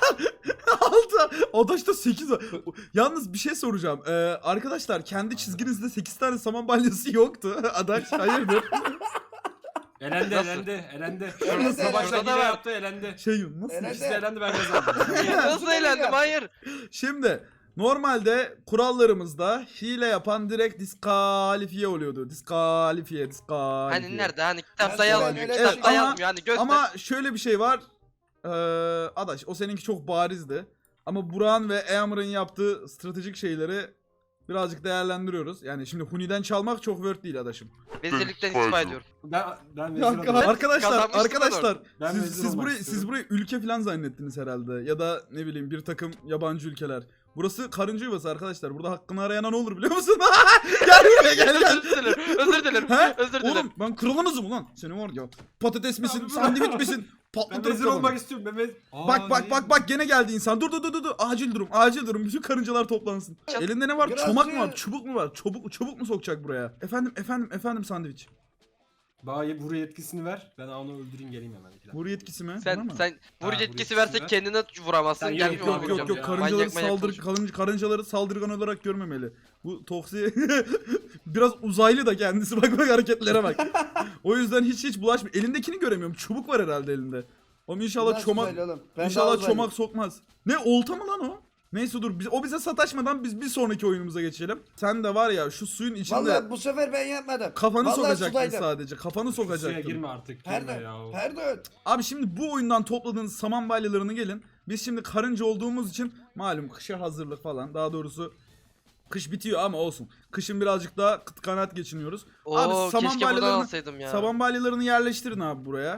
Speaker 1: altı Adaş'ta sekiz var. Yalnız bir şey soracağım. Ee, arkadaşlar kendi çizginizde sekiz tane saman balyası yoktu. Adaş hayırdır?
Speaker 4: Elendi
Speaker 2: Nasıl?
Speaker 4: elendi elendi.
Speaker 3: Şurada
Speaker 4: Şurada
Speaker 3: da-
Speaker 4: başta
Speaker 2: şurada da
Speaker 4: hile
Speaker 2: var.
Speaker 4: yaptı elendi.
Speaker 1: Şey nasıl?
Speaker 3: Elendi.
Speaker 4: İkisi de elendi ben kazandım.
Speaker 2: Nasıl eğlendim hayır.
Speaker 1: Şimdi normalde kurallarımızda hile yapan direkt diskalifiye oluyordu. Diskalifiye, diskalifiye.
Speaker 2: Hani nerede hani kitapta
Speaker 3: Ben
Speaker 2: yazmıyor.
Speaker 3: öyle
Speaker 2: Kitapta
Speaker 1: şey- ama-
Speaker 2: yazmıyor hani göster.
Speaker 1: Ama şöyle bir şey var. Ee, Adaş o seninki çok barizdi. Ama Burak'ın ve Eamur'un yaptığı stratejik şeyleri birazcık değerlendiriyoruz. Yani şimdi Huni'den çalmak çok word değil Adaşım.
Speaker 2: Vezirlikten istifa ediyorum.
Speaker 4: Ben ben
Speaker 1: Ya,
Speaker 4: vezir oldum.
Speaker 2: Ben
Speaker 1: arkadaşlar
Speaker 2: kazanmıştım
Speaker 1: arkadaşlar
Speaker 4: Ben
Speaker 1: siz,
Speaker 4: vezir
Speaker 1: siz
Speaker 4: olmak
Speaker 1: burayı
Speaker 4: istiyorum.
Speaker 1: siz burayı ülke falan zannettiniz herhalde ya da ne bileyim bir takım yabancı ülkeler. Burası karınca yuvası arkadaşlar. Burada hakkını arayana ne olur biliyor musun? Gel buraya gel gel.
Speaker 2: Özür dilerim. Özür dilerim.
Speaker 1: He?
Speaker 2: Özür dilerim.
Speaker 1: Oğlum ben kralınızım ulan. Senin var ya. Patates misin? Sandviç misin?
Speaker 4: Ben
Speaker 1: Patlatırım
Speaker 4: vezir
Speaker 1: kafanı.
Speaker 4: olmak istiyorum. Ben vezir... Aa,
Speaker 1: Bak bak
Speaker 4: ne?
Speaker 1: bak bak gene geldi insan. Dur dur dur dur. dur. Acil durum. Acil durum. Bütün karıncalar toplansın.
Speaker 2: Çat-
Speaker 1: Elinde ne var?
Speaker 3: Biraz
Speaker 1: Çomak mı
Speaker 3: ya.
Speaker 1: var? Çubuk mu var? Çubuk çubuk mu sokacak buraya? Efendim efendim efendim sandviç.
Speaker 4: Bana buraya yetkisini ver. Ben onu öldüreyim geleyim hemen. İki dakika.
Speaker 1: Vur yetkisi mi? Bana
Speaker 2: Sen
Speaker 1: mı?
Speaker 2: sen
Speaker 4: Ha,
Speaker 2: vur
Speaker 4: vur
Speaker 2: yetkisi
Speaker 4: yetkisi
Speaker 2: versek
Speaker 4: ver.
Speaker 2: kendine vuramazsın.
Speaker 4: Sen
Speaker 2: Gel
Speaker 4: yok,
Speaker 2: bir
Speaker 1: Yok
Speaker 2: onu
Speaker 1: yok
Speaker 2: vuracağım
Speaker 1: yok
Speaker 2: ya.
Speaker 1: karıncaları
Speaker 2: Manyak manyak
Speaker 1: saldır
Speaker 2: konuşuyor.
Speaker 1: karınca, karıncaları saldırgan olarak görmemeli. Bu toksi biraz uzaylı da kendisi bak bak hareketlere bak. O yüzden hiç hiç bulaşmıyor. Elindekini göremiyorum. Çubuk var herhalde elinde. Oğlum inşallah
Speaker 3: Nasıl
Speaker 1: çomak
Speaker 3: uzaylı oğlum? Ben daha
Speaker 1: inşallah
Speaker 3: uzaylı.
Speaker 1: çomak sokmaz. Ne olta mı lan o? Neyse dur biz, o bize sataşmadan biz bir sonraki oyunumuza geçelim. Sen de var ya şu suyun içinde
Speaker 3: Vallahi bu sefer ben yapmadım.
Speaker 1: kafanı
Speaker 3: Vallahi
Speaker 1: sokacaktın
Speaker 3: sudaydım.
Speaker 1: sadece. Kafanı
Speaker 4: Suya
Speaker 1: sokacaktın.
Speaker 4: girme artık. Girme
Speaker 3: Pardon.
Speaker 4: ya.
Speaker 3: Pardon.
Speaker 1: Abi şimdi bu oyundan topladığınız saman balyalarını gelin. Biz şimdi karınca olduğumuz için malum kışa hazırlık falan. Daha doğrusu kış bitiyor ama olsun. Kışın birazcık daha kıt kanaat geçiniyoruz.
Speaker 2: Oo
Speaker 1: Abi saman
Speaker 2: keşke buradan
Speaker 1: balyalarını
Speaker 2: alsaydım ya.
Speaker 1: saman balyalarını yerleştirin abi buraya.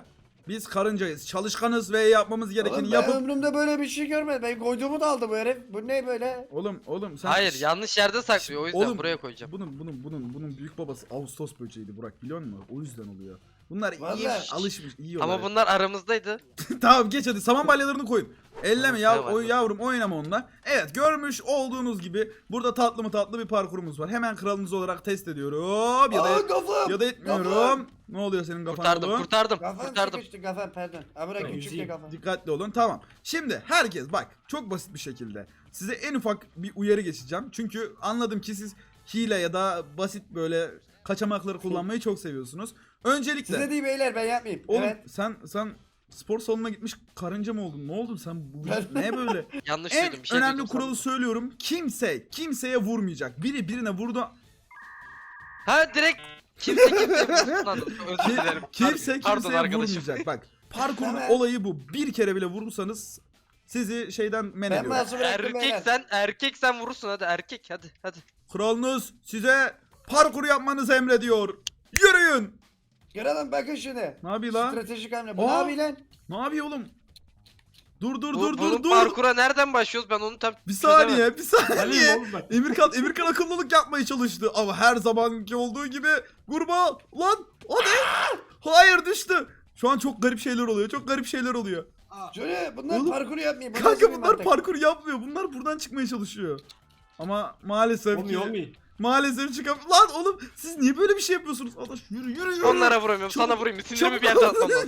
Speaker 1: Biz karıncayız. Çalışkanız ve yapmamız gerekeni
Speaker 3: Oğlum ben
Speaker 1: yapıp...
Speaker 3: ömrümde böyle bir şey görmedim. Ben koyduğumu da aldı bu herif. Bu ne böyle?
Speaker 1: Oğlum oğlum sen...
Speaker 2: Hayır yanlış yerde saklıyor o yüzden
Speaker 1: Oğlum,
Speaker 2: buraya koyacağım.
Speaker 1: Bunun bunun bunun bunun büyük babası Ağustos böceğiydi Burak, biliyor musun? O yüzden oluyor. Bunlar iyi
Speaker 3: Vallahi.
Speaker 1: alışmış, iyi
Speaker 2: Ama
Speaker 1: bunlar.
Speaker 2: bunlar aramızdaydı.
Speaker 1: Tamam geç hadi, saman balyalarını koyun. Elleme
Speaker 2: Tamam,
Speaker 1: yav
Speaker 2: tamam,
Speaker 1: o
Speaker 2: hadi.
Speaker 1: yavrum, oynama onunla. Evet, görmüş olduğunuz gibi burada tatlı mı tatlı bir parkurumuz var. Hemen kralınız olarak test ediyorum ya da
Speaker 3: Aa kafam.
Speaker 1: ya da etmiyorum.
Speaker 3: Kafam.
Speaker 1: Ne oluyor senin kafan
Speaker 2: Kurtardım
Speaker 1: oğlum?
Speaker 2: kurtardım
Speaker 3: Kafam
Speaker 2: kurtardım.
Speaker 3: sıkıştı kafam pardon. Ha bırak
Speaker 4: Ben
Speaker 3: küçük
Speaker 4: yüzeyim.
Speaker 3: de kafam.
Speaker 1: Dikkatli olun. Tamam. Şimdi herkes bak, çok basit bir şekilde size en ufak bir uyarı geçeceğim. Çünkü anladım ki siz hile ya da basit böyle kaçamakları kullanmayı çok seviyorsunuz. Öncelikle
Speaker 3: Size değil beyler ben yapmayayım.
Speaker 1: oğlum
Speaker 3: Evet.
Speaker 1: sen sen spor salonuna gitmiş karınca mı oldun? Ne oldun sen? Bu
Speaker 3: Ben-
Speaker 1: ne böyle?
Speaker 2: Yanlış
Speaker 1: En
Speaker 2: duydum bir şey
Speaker 1: önemli
Speaker 2: duydum
Speaker 1: kuralı
Speaker 2: sandım.
Speaker 1: söylüyorum. Kimse kimseye vurmayacak. Biri birine vurdu.
Speaker 2: Ha direkt kimse kimse vursun lan. Özür
Speaker 1: Ki-
Speaker 2: dilerim.
Speaker 1: kimse
Speaker 2: Pardon
Speaker 1: kimseye
Speaker 2: arkadaşım.
Speaker 1: vurmayacak. Bak, parkurun
Speaker 3: Tamam.
Speaker 1: olayı bu. Bir kere bile vurursanız sizi şeyden men
Speaker 3: Ben
Speaker 1: ediyorum.
Speaker 3: masum bıraktım
Speaker 2: Erkek
Speaker 3: beyler.
Speaker 2: sen erkek sen vurursun hadi erkek hadi hadi.
Speaker 1: Kralınız size parkur yapmanızı emrediyor. Yürüyün.
Speaker 3: Görelim bakın şimdi.
Speaker 1: Ne yapıyor lan?
Speaker 3: Stratejik hamle. Bu
Speaker 1: Aa.
Speaker 3: ne yapıyor lan?
Speaker 1: Ne yapıyor oğlum? Dur dur
Speaker 2: Bu,
Speaker 1: dur
Speaker 2: bunun
Speaker 1: dur dur.
Speaker 2: parkura nereden başlıyoruz ben onu tam
Speaker 1: Bir
Speaker 2: çözemedim.
Speaker 1: saniye, bir
Speaker 4: Alayım
Speaker 1: saniye.
Speaker 4: oğlum ben.
Speaker 1: Emirkan, Emirkan akıllılık yapmaya çalıştı ama her zamanki olduğu gibi kurbağa lan hadi. Hayır, düştü. Şu an çok garip şeyler oluyor. Çok garip şeyler oluyor.
Speaker 3: Şöyle bunlar
Speaker 1: Oğlum,
Speaker 3: parkur yapmıyor. Bu nasıl
Speaker 1: Kanka
Speaker 3: bir
Speaker 1: bunlar
Speaker 3: mantık?
Speaker 1: parkur yapmıyor. Bunlar buradan çıkmaya çalışıyor. Ama maalesef
Speaker 4: Olmuyor
Speaker 1: ki
Speaker 4: olmuyor.
Speaker 1: maalesef çıkam. Lan oğlum siz niye böyle bir şey yapıyorsunuz? Adaş yürü yürü yürü.
Speaker 2: Onlara vuramıyorum
Speaker 1: Çabuk,
Speaker 2: sana vurayım sinirimi
Speaker 1: çabuk.
Speaker 2: bir yerden atmam lazım.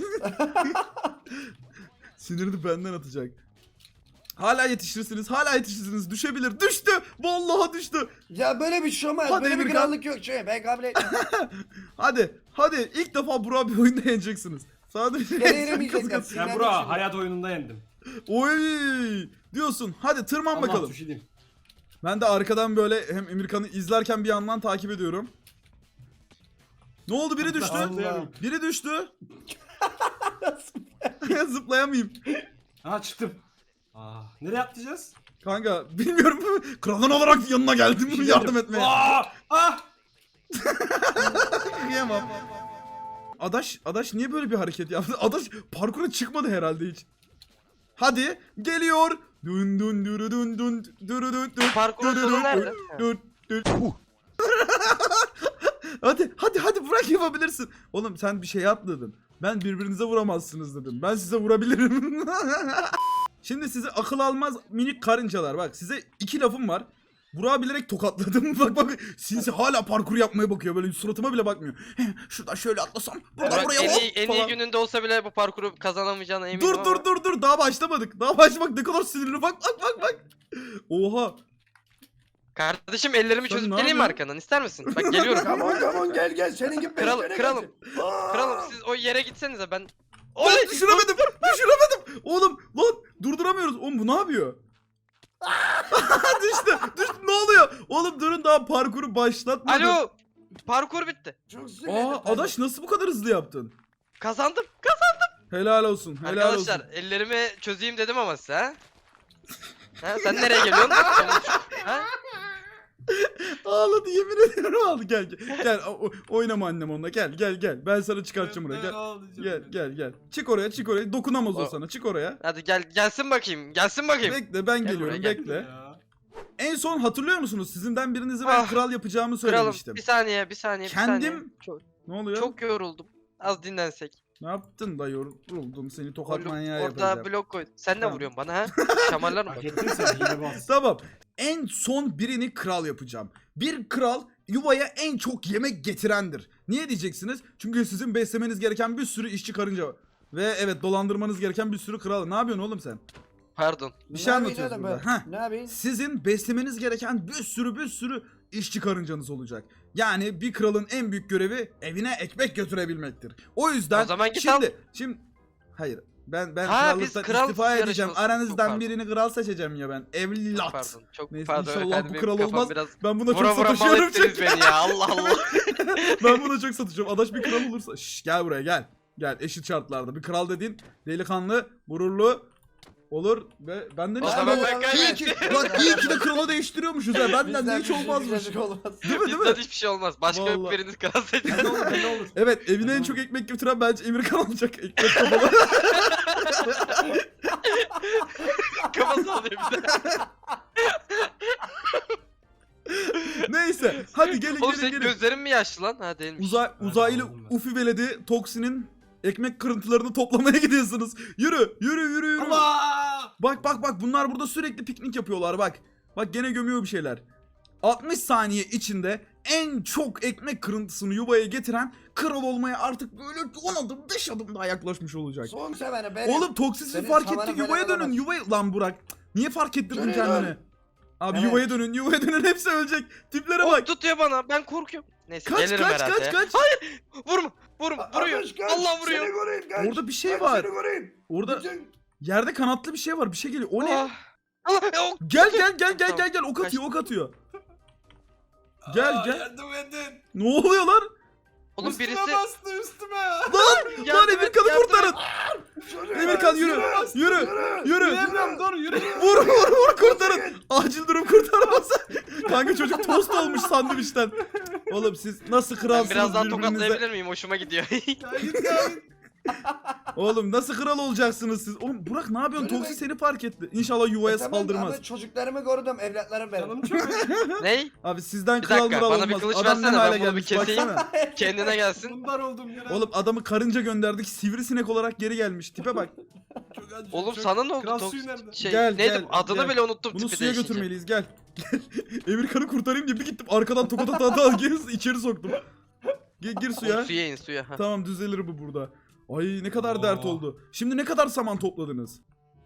Speaker 1: Sinirini benden atacak. Hala yetişirsiniz, hala yetişirsiniz. Düşebilir. Düştü. Vallahi düştü.
Speaker 3: Ya böyle bir şey olmaz.
Speaker 1: Hadi
Speaker 3: Böyle bir
Speaker 1: Emirkan.
Speaker 3: krallık yok. Şöyle ben kabul etmiyorum.
Speaker 1: Hadi, hadi ilk defa Burak bir oyunda yeneceksiniz. Sadece
Speaker 3: Gene yenemeyeceğiz ya.
Speaker 4: Ben
Speaker 3: Sinirlendim
Speaker 4: Burak'ı
Speaker 3: şimdi.
Speaker 4: hayat oyununda yendim.
Speaker 1: Oy diyorsun. Hadi tırman
Speaker 4: Allah
Speaker 1: bakalım.
Speaker 4: düşeyim.
Speaker 1: Ben de arkadan böyle hem Emirkan'ı izlerken bir yandan takip ediyorum. Ne oldu, biri düştü?
Speaker 3: Allah.
Speaker 1: Biri düştü. Zıplayamayayım.
Speaker 4: Ha çıktım. Aa, nereye atlayacağız?
Speaker 1: Kanka bilmiyorum. Kralın olarak yanına geldim
Speaker 4: Bir şey
Speaker 1: yardım
Speaker 4: diyeceğim.
Speaker 1: etmeye.
Speaker 4: Aa, ah!
Speaker 1: Yiyemem. Adaş, Adaş niye böyle bir hareket yaptı? Adaş parkura çıkmadı herhalde hiç. Hadi geliyor. Dün dün dürü dün dün dürü dün dün.
Speaker 2: Parkurun
Speaker 1: dürü
Speaker 2: sonu
Speaker 1: dün
Speaker 2: nerede?
Speaker 1: dün dün dün. Hadi hadi hadi bırak, yapabilirsin. Oğlum sen bir şey atladın. Ben birbirinize vuramazsınız dedim. Ben size vurabilirim. Şimdi size akıl almaz minik karıncalar. Bak size iki lafım var. Burak'ı bilerek tokatladım. Bak bak sinsi hala parkur yapmaya bakıyor. Böyle suratıma bile bakmıyor. Şuradan şöyle atlasam. Buradan
Speaker 2: Burak
Speaker 1: buraya
Speaker 2: en
Speaker 1: hop
Speaker 2: iyi, en iyi
Speaker 1: falan.
Speaker 2: gününde olsa bile bu parkuru kazanamayacağına eminim
Speaker 1: Dur
Speaker 2: ama.
Speaker 1: dur dur dur, daha başlamadık. Daha başlamadık, ne kadar sinirli, bak bak bak bak. Oha.
Speaker 2: Kardeşim ellerimi
Speaker 1: Sen
Speaker 2: çözüp
Speaker 1: ne
Speaker 2: geleyim mi
Speaker 1: yapıyorsun?
Speaker 2: arkandan ister misin? Bak geliyorum.
Speaker 3: Come on come on gel gel. Senin gibi
Speaker 2: Kral-
Speaker 3: beş kere
Speaker 2: kralım.
Speaker 3: gelsin. Aa!
Speaker 2: Kralım siz o yere gitsenize ben.
Speaker 1: Lan
Speaker 2: Oley!
Speaker 1: düşüremedim. Düşüremedim. Oğlum lan durduramıyoruz. Oğlum bu ne yapıyor? düştü. Düştü. Ne oluyor? Oğlum durun, daha parkuru başlatmadım.
Speaker 2: Alo! Parkur bitti.
Speaker 3: Çok sinirlendim.
Speaker 1: Aa Adaş nasıl bu kadar hızlı yaptın?
Speaker 2: Kazandım. Kazandım.
Speaker 1: Helal olsun. Helal
Speaker 2: Arkadaşlar
Speaker 1: olsun.
Speaker 2: ellerimi çözeyim dedim ama size ha? Ha, sen nereye geliyorsun? ha?
Speaker 1: Ağladı, yemin ediyorum ağladı. Gel gel. Gel o- oynama annem onunla. Gel gel gel. Ben sana çıkartacağım buraya. Gel. Gel gel gel. Çık oraya, çık oraya. Dokunamaz o
Speaker 2: O-
Speaker 1: sana. Çık oraya.
Speaker 2: Hadi gel gelsin bakayım. Gelsin bakayım.
Speaker 1: Bekle, ben
Speaker 2: Gel
Speaker 1: geliyorum.
Speaker 2: buraya, gel.
Speaker 1: Bekle. En son hatırlıyor musunuz? Sizinden birinizi ben
Speaker 2: Ah,
Speaker 1: kral yapacağımı
Speaker 2: Kralım
Speaker 1: söylemiştim.
Speaker 2: bir saniye bir saniye bir saniye.
Speaker 1: Kendim-
Speaker 2: Çok,
Speaker 1: Ne oluyor?
Speaker 2: çok yoruldum. Az dinlensek.
Speaker 1: Ne yaptın da yoruldum, seni tokat
Speaker 2: Blok-
Speaker 1: manyağı
Speaker 2: orada
Speaker 1: yapacağım.
Speaker 2: blok koy. Sen ne
Speaker 1: Tamam.
Speaker 2: vuruyorsun bana ha? Şamarlar mı?
Speaker 4: Hak ettin sen hile bas.
Speaker 1: Tamam. En son birini kral yapacağım. Bir kral yuvaya en çok yemek getirendir. Niye diyeceksiniz? Çünkü sizin beslemeniz gereken bir sürü işçi karınca var. Ve evet, dolandırmanız gereken bir sürü kral. Ne yapıyorsun oğlum sen?
Speaker 2: Pardon.
Speaker 1: Bir şey
Speaker 3: Ne
Speaker 1: anlatıyoruz
Speaker 3: yapayım
Speaker 1: burada.
Speaker 3: oğlum ben?
Speaker 1: Heh.
Speaker 3: Ne yapayım?
Speaker 1: Sizin beslemeniz gereken bir sürü bir sürü işçi karıncanız olacak. Yani bir kralın en büyük görevi evine ekmek götürebilmektir. O yüzden
Speaker 2: O zaman git
Speaker 1: şimdi
Speaker 2: al.
Speaker 1: şimdi hayır, ben ben
Speaker 2: Ha, biz
Speaker 1: krallıktan
Speaker 2: kral
Speaker 1: istifa edeceğim.
Speaker 2: yarışması- Çok
Speaker 1: Aranızdan
Speaker 2: pardon.
Speaker 1: birini kral seçeceğim ya ben.
Speaker 2: Çok
Speaker 1: Evlat.
Speaker 2: pardon. Çok
Speaker 1: Neyse,
Speaker 2: pardon.
Speaker 1: inşallah
Speaker 2: efendim,
Speaker 1: bu
Speaker 2: benim
Speaker 1: kral
Speaker 2: kafam
Speaker 1: olmaz.
Speaker 2: Biraz
Speaker 1: Ben buna
Speaker 2: vura
Speaker 1: çok
Speaker 2: vura mal
Speaker 1: satışıyorum
Speaker 2: ettiniz
Speaker 1: çünkü.
Speaker 2: beni ya. Allah Allah.
Speaker 1: Ben buna çok satışıyorum. Adaş bir kral olursa. Şş, gel buraya gel. Gel, eşit şartlarda. Bir kral dediğin delikanlı, gururlu, Olur ve benden
Speaker 2: O
Speaker 1: hiç
Speaker 2: zaman
Speaker 1: krala-
Speaker 2: ben
Speaker 1: İyi
Speaker 2: kaybettim.
Speaker 1: ki, bak iyi ki de krala değiştiriyormuşuz ya. Benden de
Speaker 3: Bizden
Speaker 1: hiç
Speaker 3: bir şey
Speaker 1: olmazmış.
Speaker 3: güzellik olmaz.
Speaker 1: Değil mi değil mi?
Speaker 2: Bizden hiçbir şey olmaz. Başka
Speaker 1: Vallahi.
Speaker 2: biriniz kral seçin.
Speaker 4: Ben ne olur ben ne olur.
Speaker 1: Evet evine en çok ekmek götüren bence Emirkan olacak. Ekmek kafalı.
Speaker 2: Kafa sallıyor bir de.
Speaker 1: Neyse hadi gelin
Speaker 2: Oğlum
Speaker 1: gelin
Speaker 2: senin
Speaker 1: gelin.
Speaker 2: gözlerin mi yaşlı lan? Ha değilmiş.
Speaker 1: Uzay, uzaylı
Speaker 4: aldım ben.
Speaker 1: Ufi veledi Toksi'nin ekmek kırıntılarını toplamaya gidiyorsunuz. Yürü yürü yürü yürü.
Speaker 4: Allah!
Speaker 1: Bak bak bak bunlar burada sürekli piknik yapıyorlar bak. Bak gene gömüyor bir şeyler. altmış saniye içinde en çok ekmek kırıntısını yuvaya getiren kral olmaya artık böyle on adım beş adım daha yaklaşmış olacak.
Speaker 3: Son sevene benim.
Speaker 1: Oğlum Toksisi
Speaker 3: Senin
Speaker 1: fark
Speaker 3: samanı
Speaker 1: ettik
Speaker 3: böyle
Speaker 1: yuvaya dönün
Speaker 3: alamaz.
Speaker 1: yuvaya. Lan Burak niye fark ettirdin
Speaker 3: Şuraya
Speaker 1: kendini?
Speaker 3: dön.
Speaker 1: Abi
Speaker 3: Evet.
Speaker 1: yuvaya dönün yuvaya dönün hepsi ölecek. Tiplere
Speaker 2: Oğlum
Speaker 1: bak.
Speaker 2: tutuyor bana. Ben korkuyorum. Neyse
Speaker 1: Kaç
Speaker 2: gelirim
Speaker 1: kaç
Speaker 2: herhalde
Speaker 1: kaç
Speaker 2: ya.
Speaker 1: kaç.
Speaker 2: Vurma. Vurma. Vuruyor.
Speaker 3: Kaç, kaç,
Speaker 2: Allah
Speaker 3: Seni
Speaker 2: vuruyor.
Speaker 3: koruyun kaç.
Speaker 1: Orada bir şey
Speaker 3: Kaç,
Speaker 1: var.
Speaker 3: Seni koruyun.
Speaker 1: Orada
Speaker 3: Bütün-
Speaker 1: yerde kanatlı bir şey var. Bir şey geliyor. O ne?
Speaker 2: Ah. Allah. oh.
Speaker 1: Gel gel gel gel
Speaker 2: Tamam,
Speaker 1: gel gel. Ok atıyor ok atıyor. Gel
Speaker 4: Aa,
Speaker 1: gel.
Speaker 4: Yardım edin.
Speaker 1: Ne oluyor lan?
Speaker 2: Oğlum
Speaker 4: üstüme
Speaker 2: birisi.
Speaker 4: bastı üstüme.
Speaker 1: Lan
Speaker 2: Yardım et,
Speaker 1: Emirkan'ı
Speaker 2: yardım
Speaker 1: kurtarın.
Speaker 2: et.
Speaker 3: Şuraya,
Speaker 1: Emirkan yürü.
Speaker 3: şuraya,
Speaker 1: Yürü.
Speaker 3: yürü.
Speaker 1: Yürü.
Speaker 4: Yürüyorum dur yürü.
Speaker 1: Vur vur vur kurtarın. Acil durum kurtarması. Kanka çocuk tost olmuş sandviçten. Oğlum siz nasıl
Speaker 2: Ben
Speaker 1: kralsınız
Speaker 2: biraz daha
Speaker 1: birbirinize?
Speaker 2: tokatlayabilir miyim? Hoşuma gidiyor.
Speaker 4: Ya git ya git.
Speaker 1: Oğlum nasıl kral olacaksınız siz? Oğlum Burak ne yapıyorsun?
Speaker 3: Şöyle
Speaker 1: Toksi
Speaker 3: bak.
Speaker 1: seni fark etti. İnşallah yuvaya
Speaker 3: E tamam,
Speaker 1: saldırmaz.
Speaker 3: ama çocuklarımı korudum, evlatlarım benim.
Speaker 4: Canım çok acıyor.
Speaker 2: Ney?
Speaker 1: Abi sizden
Speaker 2: Bir
Speaker 1: kral
Speaker 2: dakika,
Speaker 1: mural
Speaker 2: bana
Speaker 1: olmaz.
Speaker 2: bir kılıç
Speaker 1: Adam ne
Speaker 2: versene,
Speaker 1: hale
Speaker 2: ben bunu bir
Speaker 1: gelmiş
Speaker 2: keseyim.
Speaker 1: baksana.
Speaker 2: Kendine gelsin.
Speaker 4: Bunlar oldum ya.
Speaker 1: Oğlum adamı karınca gönderdik sivrisinek olarak geri gelmiş. Tipe bak.
Speaker 4: Çok acıyor,
Speaker 2: Oğlum
Speaker 4: çok-
Speaker 2: sana ne oldu?
Speaker 4: Kral
Speaker 2: Tok-
Speaker 4: suyu nerede?
Speaker 2: Şey,
Speaker 1: Gel,
Speaker 2: neydi?
Speaker 1: gel,
Speaker 2: Adını
Speaker 1: gel.
Speaker 2: bile unuttum
Speaker 1: Bunu
Speaker 2: tipi
Speaker 1: suya
Speaker 2: değişince.
Speaker 1: götürmeliyiz gel. Gel. Emirkan'ı kurtarayım diye bir gittim arkadan tokat ata ata gir, içeri soktum. Gir, gir suya.
Speaker 2: Oğlum suya in suya. ha.
Speaker 1: Tamam düzelir bu burada. Ay ne kadar
Speaker 4: Oo.
Speaker 1: dert oldu. Şimdi ne kadar saman topladınız?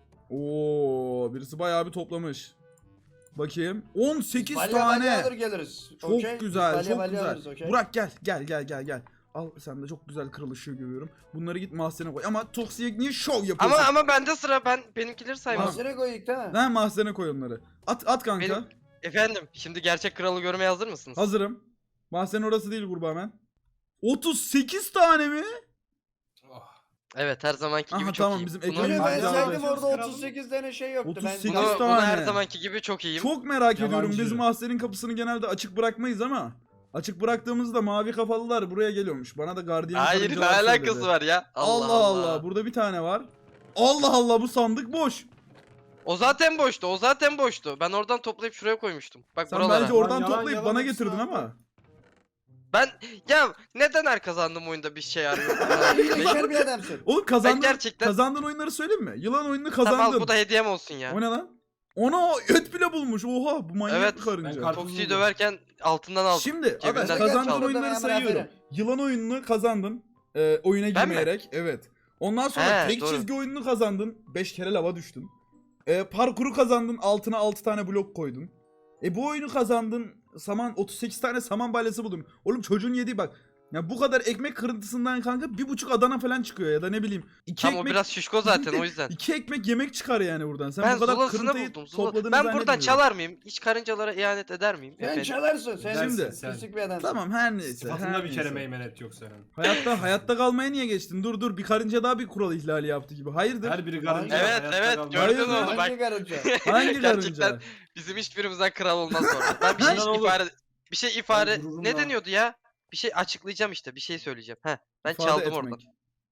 Speaker 1: Oo birisi bayağı bir toplamış. Bakayım. on sekiz
Speaker 3: Balya balya alır
Speaker 1: tane.
Speaker 3: geliriz.
Speaker 1: Çok
Speaker 3: Okey?
Speaker 1: güzel,
Speaker 3: Balya
Speaker 1: çok
Speaker 3: balya
Speaker 1: güzel.
Speaker 3: alırız, okey?
Speaker 1: Burak gel, gel, gel, gel, gel. Al sen de çok güzel kral ışığı görüyorum. Bunları git mahzene koy. Ama Toksi'ye niye şov
Speaker 2: Ama
Speaker 1: yapıyorsun?
Speaker 2: ama bende sıra, ben benimkileri saymam.
Speaker 3: Mahzene koyduk değil mi?
Speaker 1: Lan mahzene koy onları. At, at kanka.
Speaker 2: Benim- Efendim, şimdi gerçek kralı görmeye hazır mısınız?
Speaker 1: Hazırım. Mahzen orası değil kurbağa hemen. otuz sekiz tane mi?
Speaker 4: Oh.
Speaker 2: Evet, her zamanki
Speaker 1: Aha,
Speaker 2: gibi çok
Speaker 1: tamam,
Speaker 2: iyiyim.
Speaker 1: bizim
Speaker 2: Bunu,
Speaker 1: ekranı-
Speaker 3: Yürü, ben
Speaker 1: Balya
Speaker 3: saydım
Speaker 4: alırız.
Speaker 3: orada
Speaker 4: Kralım.
Speaker 3: otuz sekiz tane şey yoktu.
Speaker 1: otuz
Speaker 3: Ben
Speaker 1: sekiz
Speaker 2: bunu,
Speaker 1: tane.
Speaker 2: bunu her zamanki gibi çok iyiyim.
Speaker 1: Çok merak ediyorum.
Speaker 4: Yalancı.
Speaker 1: Biz mahzenin kapısını genelde açık bırakmayız ama açık bıraktığımızda mavi kafalılar buraya geliyormuş. Bana da gardiyan
Speaker 2: Hayır, ne
Speaker 1: karıncalar
Speaker 2: alakası
Speaker 1: söyledi.
Speaker 2: var ya?
Speaker 1: Allah Allah. Burada bir tane var. Allah Allah bu sandık boş.
Speaker 2: O zaten boştu, o zaten boştu. Ben oradan toplayıp şuraya koymuştum. Bak
Speaker 1: Sen
Speaker 2: buralara.
Speaker 1: bence oradan
Speaker 4: Yalan,
Speaker 1: toplayıp
Speaker 4: yalan
Speaker 1: bana
Speaker 4: hepsi
Speaker 1: getirdin
Speaker 4: var.
Speaker 1: ama.
Speaker 2: Ben, ya neden her kazandığım oyunda bir şey arıyorum?
Speaker 3: hilekar bir adamsın.
Speaker 1: Oğlum kazandın,
Speaker 2: Ben gerçekten-
Speaker 1: kazandığın oyunları söyleyeyim mi? Yılan oyununu
Speaker 2: Tamam,
Speaker 1: kazandın.
Speaker 2: al, bu da hediyem olsun ya.
Speaker 1: O ne lan? Ona et bile bulmuş. Oha bu manyak
Speaker 2: Evet,
Speaker 1: bir karınca.
Speaker 4: ben kar-
Speaker 2: Toksiyi döverken altından aldım.
Speaker 1: Şimdi
Speaker 2: Cebinden
Speaker 1: arkadaş
Speaker 2: çaldım.
Speaker 1: kazandığın
Speaker 3: Çaldım.
Speaker 1: oyunları
Speaker 3: Hemen
Speaker 1: sayıyorum.
Speaker 3: aferin.
Speaker 1: Yılan oyununu kazandın. E, oyuna
Speaker 2: Ben mi?
Speaker 1: girmeyerek. Evet. Ondan sonra
Speaker 2: He,
Speaker 1: tek
Speaker 2: doğru.
Speaker 1: çizgi oyununu kazandın. beş kere lava düştün. E, parkuru kazandın. Altına altı tane blok koydun. E bu oyunu kazandın. Saman otuz sekiz tane saman balyası buldun. Oğlum çocuğun yediği bak. Ya bu kadar ekmek kırıntısından kanka bir buçuk Adana falan çıkıyor ya da ne bileyim. İki
Speaker 2: Tam o
Speaker 1: ekmek,
Speaker 2: biraz şişko zaten o yüzden.
Speaker 1: iki ekmek yemek çıkar yani buradan. Sen
Speaker 2: Ben
Speaker 1: bu kadar
Speaker 2: zulasını
Speaker 1: kırıntıyı
Speaker 2: buldum. Zula.
Speaker 1: topladığını
Speaker 2: Ben buradan
Speaker 1: zannetmiyorum.
Speaker 2: çalar mıyım? Hiç karıncalara ihanet eder miyim?
Speaker 3: Sen
Speaker 2: Efendim?
Speaker 3: çalarsın. Sen
Speaker 1: Şimdi-
Speaker 4: Sen-
Speaker 3: pislik bir adamsın.
Speaker 1: Tamam her neyse.
Speaker 4: Sıfatında
Speaker 1: her
Speaker 4: bir kere
Speaker 1: neyse.
Speaker 4: meymenet yok senin.
Speaker 1: Hayatta hayatta kalmaya niye geçtin? Dur dur bir karınca daha bir kural ihlali yaptı gibi. Hayırdır?
Speaker 4: Her biri karınca.
Speaker 2: Evet,
Speaker 4: hayatta
Speaker 2: evet,
Speaker 4: kalmaz.
Speaker 2: gördün
Speaker 1: Hayır,
Speaker 2: mü onu? Bak,
Speaker 3: Hangi karınca?
Speaker 1: Hangi
Speaker 2: Gerçekten
Speaker 1: karınca?
Speaker 2: bizim hiçbirimizden kral olmaz sonra. Ben bir şey
Speaker 4: Bundan olur.
Speaker 2: ifade bir şey ifade
Speaker 4: Ben gururumla-
Speaker 2: ne deniyordu ya? Bir şey açıklayacağım işte. Bir şey söyleyeceğim. Heh. Ben
Speaker 1: İfade
Speaker 2: çaldım
Speaker 1: etmek.
Speaker 2: oradan.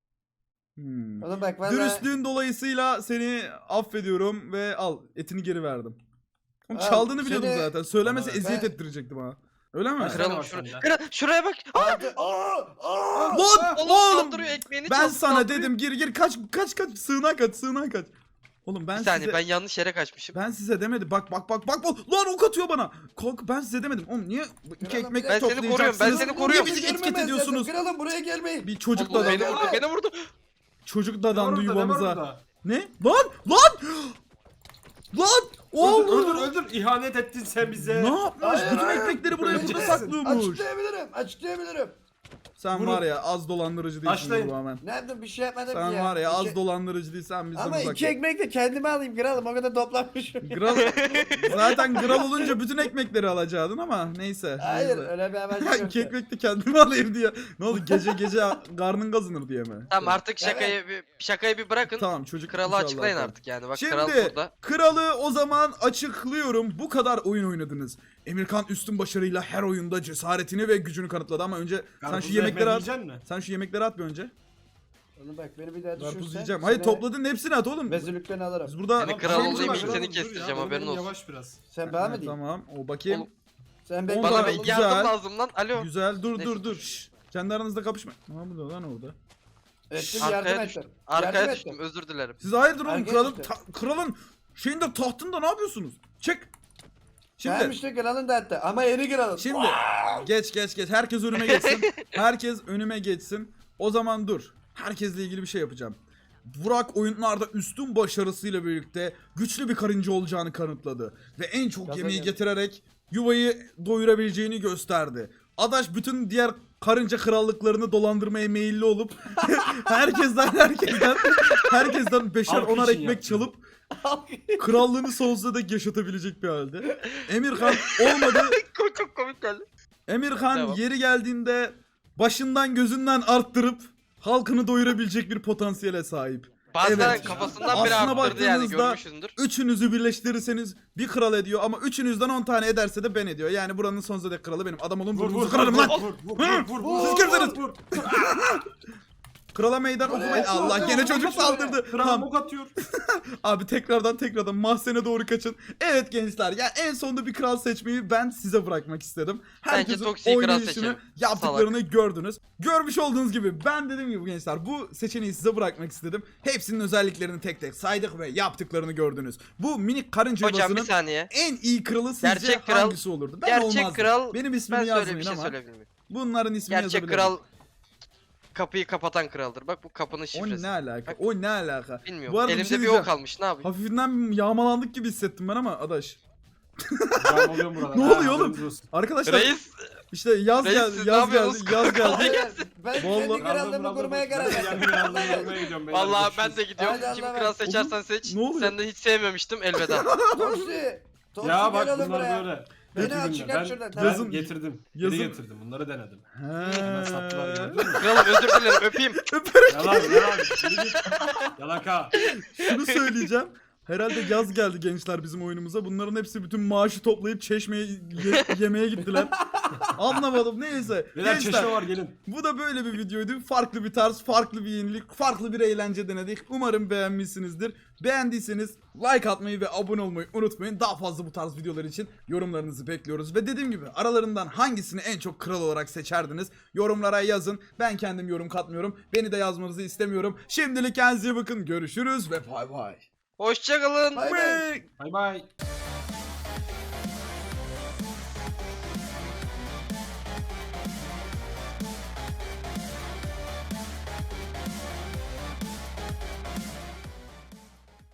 Speaker 1: Hmm.
Speaker 3: Oğlum bak valla.
Speaker 1: Dürüstlüğün dolayısıyla seni affediyorum ve al etini geri verdim. Oğlum
Speaker 3: Al,
Speaker 1: çaldığını biliyordum
Speaker 3: seni-
Speaker 1: zaten. Söylemese
Speaker 4: Ben-
Speaker 1: eziyet ettirecektim ha. Öyle mi?
Speaker 4: Ben-
Speaker 2: Kralım
Speaker 4: var
Speaker 2: şura,
Speaker 4: sende.
Speaker 2: kral, şuraya bak. Aa,
Speaker 3: Aldı- Aa! Aa!
Speaker 1: Lan
Speaker 2: oğlum,
Speaker 1: oğlum
Speaker 2: saldırıyor, ekmeğini
Speaker 1: ben
Speaker 2: çaldı,
Speaker 1: sana
Speaker 2: saldırıyor.
Speaker 1: dedim gir gir kaç kaç kaç sığınağa kaç sığınağa kaç. Oğlum ben
Speaker 2: Bir saniye,
Speaker 1: size
Speaker 2: ben yanlış yere kaçmışım.
Speaker 1: ben size demedim. Bak bak bak bak. bak. Lan ok atıyor bana. Kalk ben size demedim. Oğlum niye iki
Speaker 3: Kralım,
Speaker 1: ekmek
Speaker 3: ben
Speaker 2: seni
Speaker 1: toplayacaksınız?
Speaker 2: koruyorum, ben seni koruyorum.
Speaker 1: Niye bizi
Speaker 3: Görmemez
Speaker 1: etiket
Speaker 3: lazım.
Speaker 1: ediyorsunuz?
Speaker 3: Kralım buraya gelmeyin.
Speaker 1: Bir çocuk
Speaker 2: Allah, beni
Speaker 1: dadandı.
Speaker 2: vurdu, beni vurdu.
Speaker 1: Çocuk
Speaker 4: Ne var
Speaker 1: dadandı
Speaker 4: orada, ne var
Speaker 1: yuvamıza.
Speaker 4: orada?
Speaker 1: Ne? Lan! Lan! Lan!
Speaker 4: Öldür,
Speaker 1: Oğlum!
Speaker 4: öldür, öldür. İhanet ettin sen bize.
Speaker 1: Ne yapmış?
Speaker 3: Hayır,
Speaker 1: Bütün
Speaker 3: hayır.
Speaker 1: ekmekleri buraya burada
Speaker 4: Öleceksin.
Speaker 1: saklıyormuş.
Speaker 3: Açıklayabilirim. Açıklayabilirim.
Speaker 1: Sen
Speaker 3: Vurun.
Speaker 1: var ya az dolandırıcı değilsin
Speaker 4: Başlayın.
Speaker 1: bu hemen.
Speaker 3: Ne yaptım bir şey yapmadım
Speaker 1: Sen
Speaker 3: ki ya.
Speaker 1: var ya az
Speaker 3: İki-
Speaker 1: dolandırıcı değilsen bizden
Speaker 3: Ama
Speaker 1: uzak.
Speaker 3: iki ekmek de kendime alayım kralım o kadar toplamışım.
Speaker 1: Gral zaten gral olunca bütün ekmekleri alacaktın ama neyse.
Speaker 3: Hayır
Speaker 1: neyse.
Speaker 3: öyle bir amacım yok.
Speaker 1: İki ekmek de kendime alayım diye. Ne oldu gece gece karnın kazınır diye mi?
Speaker 2: Tamam artık şakayı bir şakayı bir bırakın.
Speaker 1: Tamam çocuk.
Speaker 2: Kralı
Speaker 1: inşallah
Speaker 2: açıklayın
Speaker 1: tamam.
Speaker 2: artık yani. Bak
Speaker 1: Şimdi
Speaker 2: kral burada.
Speaker 1: kralı o zaman açıklıyorum. Bu kadar oyun oynadınız. Emirkan üstün başarıyla her oyunda cesaretini ve gücünü kanıtladı ama önce sen şu
Speaker 4: Karpuzu
Speaker 1: yemekleri at.
Speaker 4: yiyeceksin mi?
Speaker 1: Sen şu yemekleri at bir önce.
Speaker 3: Oğlum bak beni bir daha
Speaker 1: Karpuz
Speaker 3: düşürsen.
Speaker 1: yiyeceğim. Hayır
Speaker 3: seni
Speaker 1: topladın hepsini at oğlum.
Speaker 3: Vezirlikten alırım.
Speaker 1: Biz burada
Speaker 2: Yani
Speaker 4: Tamam,
Speaker 2: kral
Speaker 4: şey
Speaker 2: olduğum
Speaker 4: var,
Speaker 2: için
Speaker 4: dur,
Speaker 2: seni
Speaker 4: dur
Speaker 2: kestireceğim,
Speaker 4: ya,
Speaker 2: haberin
Speaker 4: benim
Speaker 2: olsun.
Speaker 4: Yavaş biraz.
Speaker 3: Sen bana mı
Speaker 1: Ha,
Speaker 3: diyeyim?
Speaker 1: tamam o bakayım.
Speaker 2: Oğlum,
Speaker 3: Sen
Speaker 1: On
Speaker 3: beni
Speaker 2: Bana
Speaker 1: tane-
Speaker 2: bir
Speaker 1: güzel.
Speaker 2: yardım lazım lan. Alo.
Speaker 1: Güzel dur
Speaker 2: Neyse,
Speaker 1: dur dur.
Speaker 2: dur.
Speaker 1: Şşş. Kendi aranızda kapışma. Ne yapıyor lan orada?
Speaker 3: ettim yardım
Speaker 2: Arkaya
Speaker 3: ettim.
Speaker 2: düştüm. Arkaya
Speaker 3: Yardım
Speaker 2: düştüm.
Speaker 3: ettim.
Speaker 2: Özür dilerim.
Speaker 1: Siz hayırdır oğlum
Speaker 3: Herkes
Speaker 1: kralın
Speaker 3: işte.
Speaker 1: ta- kralın şeyinde tahtında ne yapıyorsunuz? Çık. Şimdi
Speaker 3: Tamam işte kralın da etti ama yeni kralın.
Speaker 1: şimdi geç geç geç herkes önüme geçsin. Herkes önüme geçsin. O zaman dur. Herkesle ilgili bir şey yapacağım. Burak oyunlarda üstün başarısıyla birlikte güçlü bir karınca olacağını kanıtladı ve en çok
Speaker 3: Gaza
Speaker 1: yemeği
Speaker 3: geldi.
Speaker 1: getirerek yuvayı doyurabileceğini gösterdi. Adaş bütün diğer karınca krallıklarını dolandırmaya meyilli olup herkesten herkesten herkesten beşer
Speaker 4: Halk
Speaker 1: onar
Speaker 4: için
Speaker 1: ekmek
Speaker 4: yaptı.
Speaker 1: çalıp krallığını sonsuza dek yaşatabilecek bir halde. Emirhan olmadı.
Speaker 2: Çok çok komik geldi.
Speaker 1: Emirhan
Speaker 2: Devam.
Speaker 1: yeri geldiğinde başından gözünden arttırıp halkını doyurabilecek bir potansiyele sahip.
Speaker 2: Bazen
Speaker 1: Evet.
Speaker 2: kafasından biri
Speaker 1: Aslına
Speaker 2: arttırdı yani
Speaker 1: baktığınızda-
Speaker 2: görmüşsündür.
Speaker 1: Üçünüzü birleştirirseniz bir kral ediyor ama üçünüzden on tane ederse de ben ediyor. Yani buranın sonsuza dek kralı benim. Adam olun
Speaker 4: Vur vur
Speaker 1: burnunuzu
Speaker 4: vur
Speaker 1: kırarım lan.
Speaker 4: vur vur vur vur vur.
Speaker 1: Siz kimsiniz?
Speaker 4: Vur.
Speaker 1: Krala meydan
Speaker 3: Oley,
Speaker 1: okumayın. Allah
Speaker 3: oley,
Speaker 1: gene
Speaker 3: oley,
Speaker 1: çocuk
Speaker 3: oley.
Speaker 1: saldırdı.
Speaker 4: Kral
Speaker 1: Tamam.
Speaker 4: bok atıyor.
Speaker 1: Abi tekrardan tekrardan mahzene doğru kaçın. Evet gençler ya en sonunda bir kral seçmeyi ben size bırakmak istedim. Herkesin
Speaker 2: Toksi'yi kral
Speaker 1: oynayışını
Speaker 2: seçelim.
Speaker 1: yaptıklarını gördünüz. Görmüş olduğunuz gibi ben dediğim gibi gençler bu seçeneği size bırakmak istedim. Hepsinin özelliklerini tek tek saydık ve yaptıklarını gördünüz. Bu minik karınca
Speaker 2: Hocam bir
Speaker 1: yuvasının
Speaker 2: saniye.
Speaker 1: en iyi kralı sizce
Speaker 2: Gerçek kral-
Speaker 1: hangisi olurdu? Ben
Speaker 2: Gerçek
Speaker 1: olmazdım.
Speaker 2: kral
Speaker 1: Benim ismimi
Speaker 2: ben söyle
Speaker 1: yazmayın
Speaker 2: bir şey
Speaker 1: ama
Speaker 2: söyleyebilir miyim?
Speaker 1: bunların ismini
Speaker 2: Gerçek
Speaker 1: yazabilirim.
Speaker 2: kral kapıyı kapatan kraldır. Bak bu kapının
Speaker 1: O
Speaker 2: şifresi.
Speaker 1: ne alaka?
Speaker 2: Bak.
Speaker 1: O ne alaka?
Speaker 2: Bilmiyorum.
Speaker 1: Bu arada bir
Speaker 2: Elimde
Speaker 1: şey
Speaker 2: bir,
Speaker 1: diyeceğim.
Speaker 2: ok kalmış. Ne yapayım?
Speaker 1: Hafifinden yağmalandık gibi hissettim ben ama adaş.
Speaker 4: Ben oluyorum burada.
Speaker 1: Ne
Speaker 4: Ha,
Speaker 1: oluyor oğlum?
Speaker 4: haberiniz olsun.
Speaker 1: Arkadaşlar
Speaker 2: Reis.
Speaker 1: işte yaz
Speaker 2: Reis,
Speaker 1: geldi,
Speaker 2: siz ne
Speaker 1: yaz geldi,
Speaker 2: yapıyorsunuz?
Speaker 1: yaz
Speaker 2: Kolay
Speaker 1: geldi.
Speaker 3: Ben
Speaker 1: Vallahi-
Speaker 3: kendi krallığımı
Speaker 4: Razım,
Speaker 3: kurmaya
Speaker 4: razım.
Speaker 3: karar
Speaker 4: Ben
Speaker 3: verdim.
Speaker 4: kendi krallığımı kurmaya gidiyorum. beyler,
Speaker 2: Vallahi
Speaker 4: görüşürüz.
Speaker 2: ben de gidiyorum.
Speaker 3: Hadi
Speaker 2: Kim
Speaker 3: Allah'a
Speaker 2: kral
Speaker 3: emanet.
Speaker 2: seçersen seç.
Speaker 1: ne oluyor?
Speaker 2: Senden hiç sevmemiştim elveda.
Speaker 3: Toksi. Toksi
Speaker 4: Ya bak
Speaker 3: gel oğlum
Speaker 4: bunlar
Speaker 3: buraya.
Speaker 4: böyle.
Speaker 3: Beni
Speaker 4: Kötü
Speaker 3: aç,
Speaker 4: günler.
Speaker 3: çıkar
Speaker 4: Ben,
Speaker 3: şuradan,
Speaker 4: ben
Speaker 1: tamam.
Speaker 4: getirdim.
Speaker 1: Yazın-
Speaker 4: Geri getirdim. Bunları denedim.
Speaker 1: He.
Speaker 4: Hemen sattılar gördün mü?
Speaker 2: Kralım özür dilerim öpeyim.
Speaker 4: Yalan yalan. Geri git. Yalaka.
Speaker 1: Şunu söyleyeceğim. Herhalde yaz geldi gençler bizim oyunumuza. Bunların hepsi bütün maaşı toplayıp çeşmeye ye- yemeğe gittiler. Anlamadım neyse.
Speaker 4: Beyler
Speaker 1: Gençler
Speaker 4: çeşme var gelin.
Speaker 1: bu da böyle bir videoydu. Farklı bir tarz, farklı bir yenilik, farklı bir eğlence denedik. Umarım beğenmişsinizdir. Beğendiyseniz like atmayı ve abone olmayı unutmayın. Daha fazla bu tarz videolar için yorumlarınızı bekliyoruz. Ve dediğim gibi aralarından hangisini en çok kral olarak seçerdiniz? Yorumlara yazın. Ben kendim yorum katmıyorum. Beni de yazmanızı istemiyorum. Şimdilik kendinize iyi bakın. Görüşürüz ve bay bay.
Speaker 2: Hoşçakalın.
Speaker 3: Bay bay.
Speaker 4: Bay bay.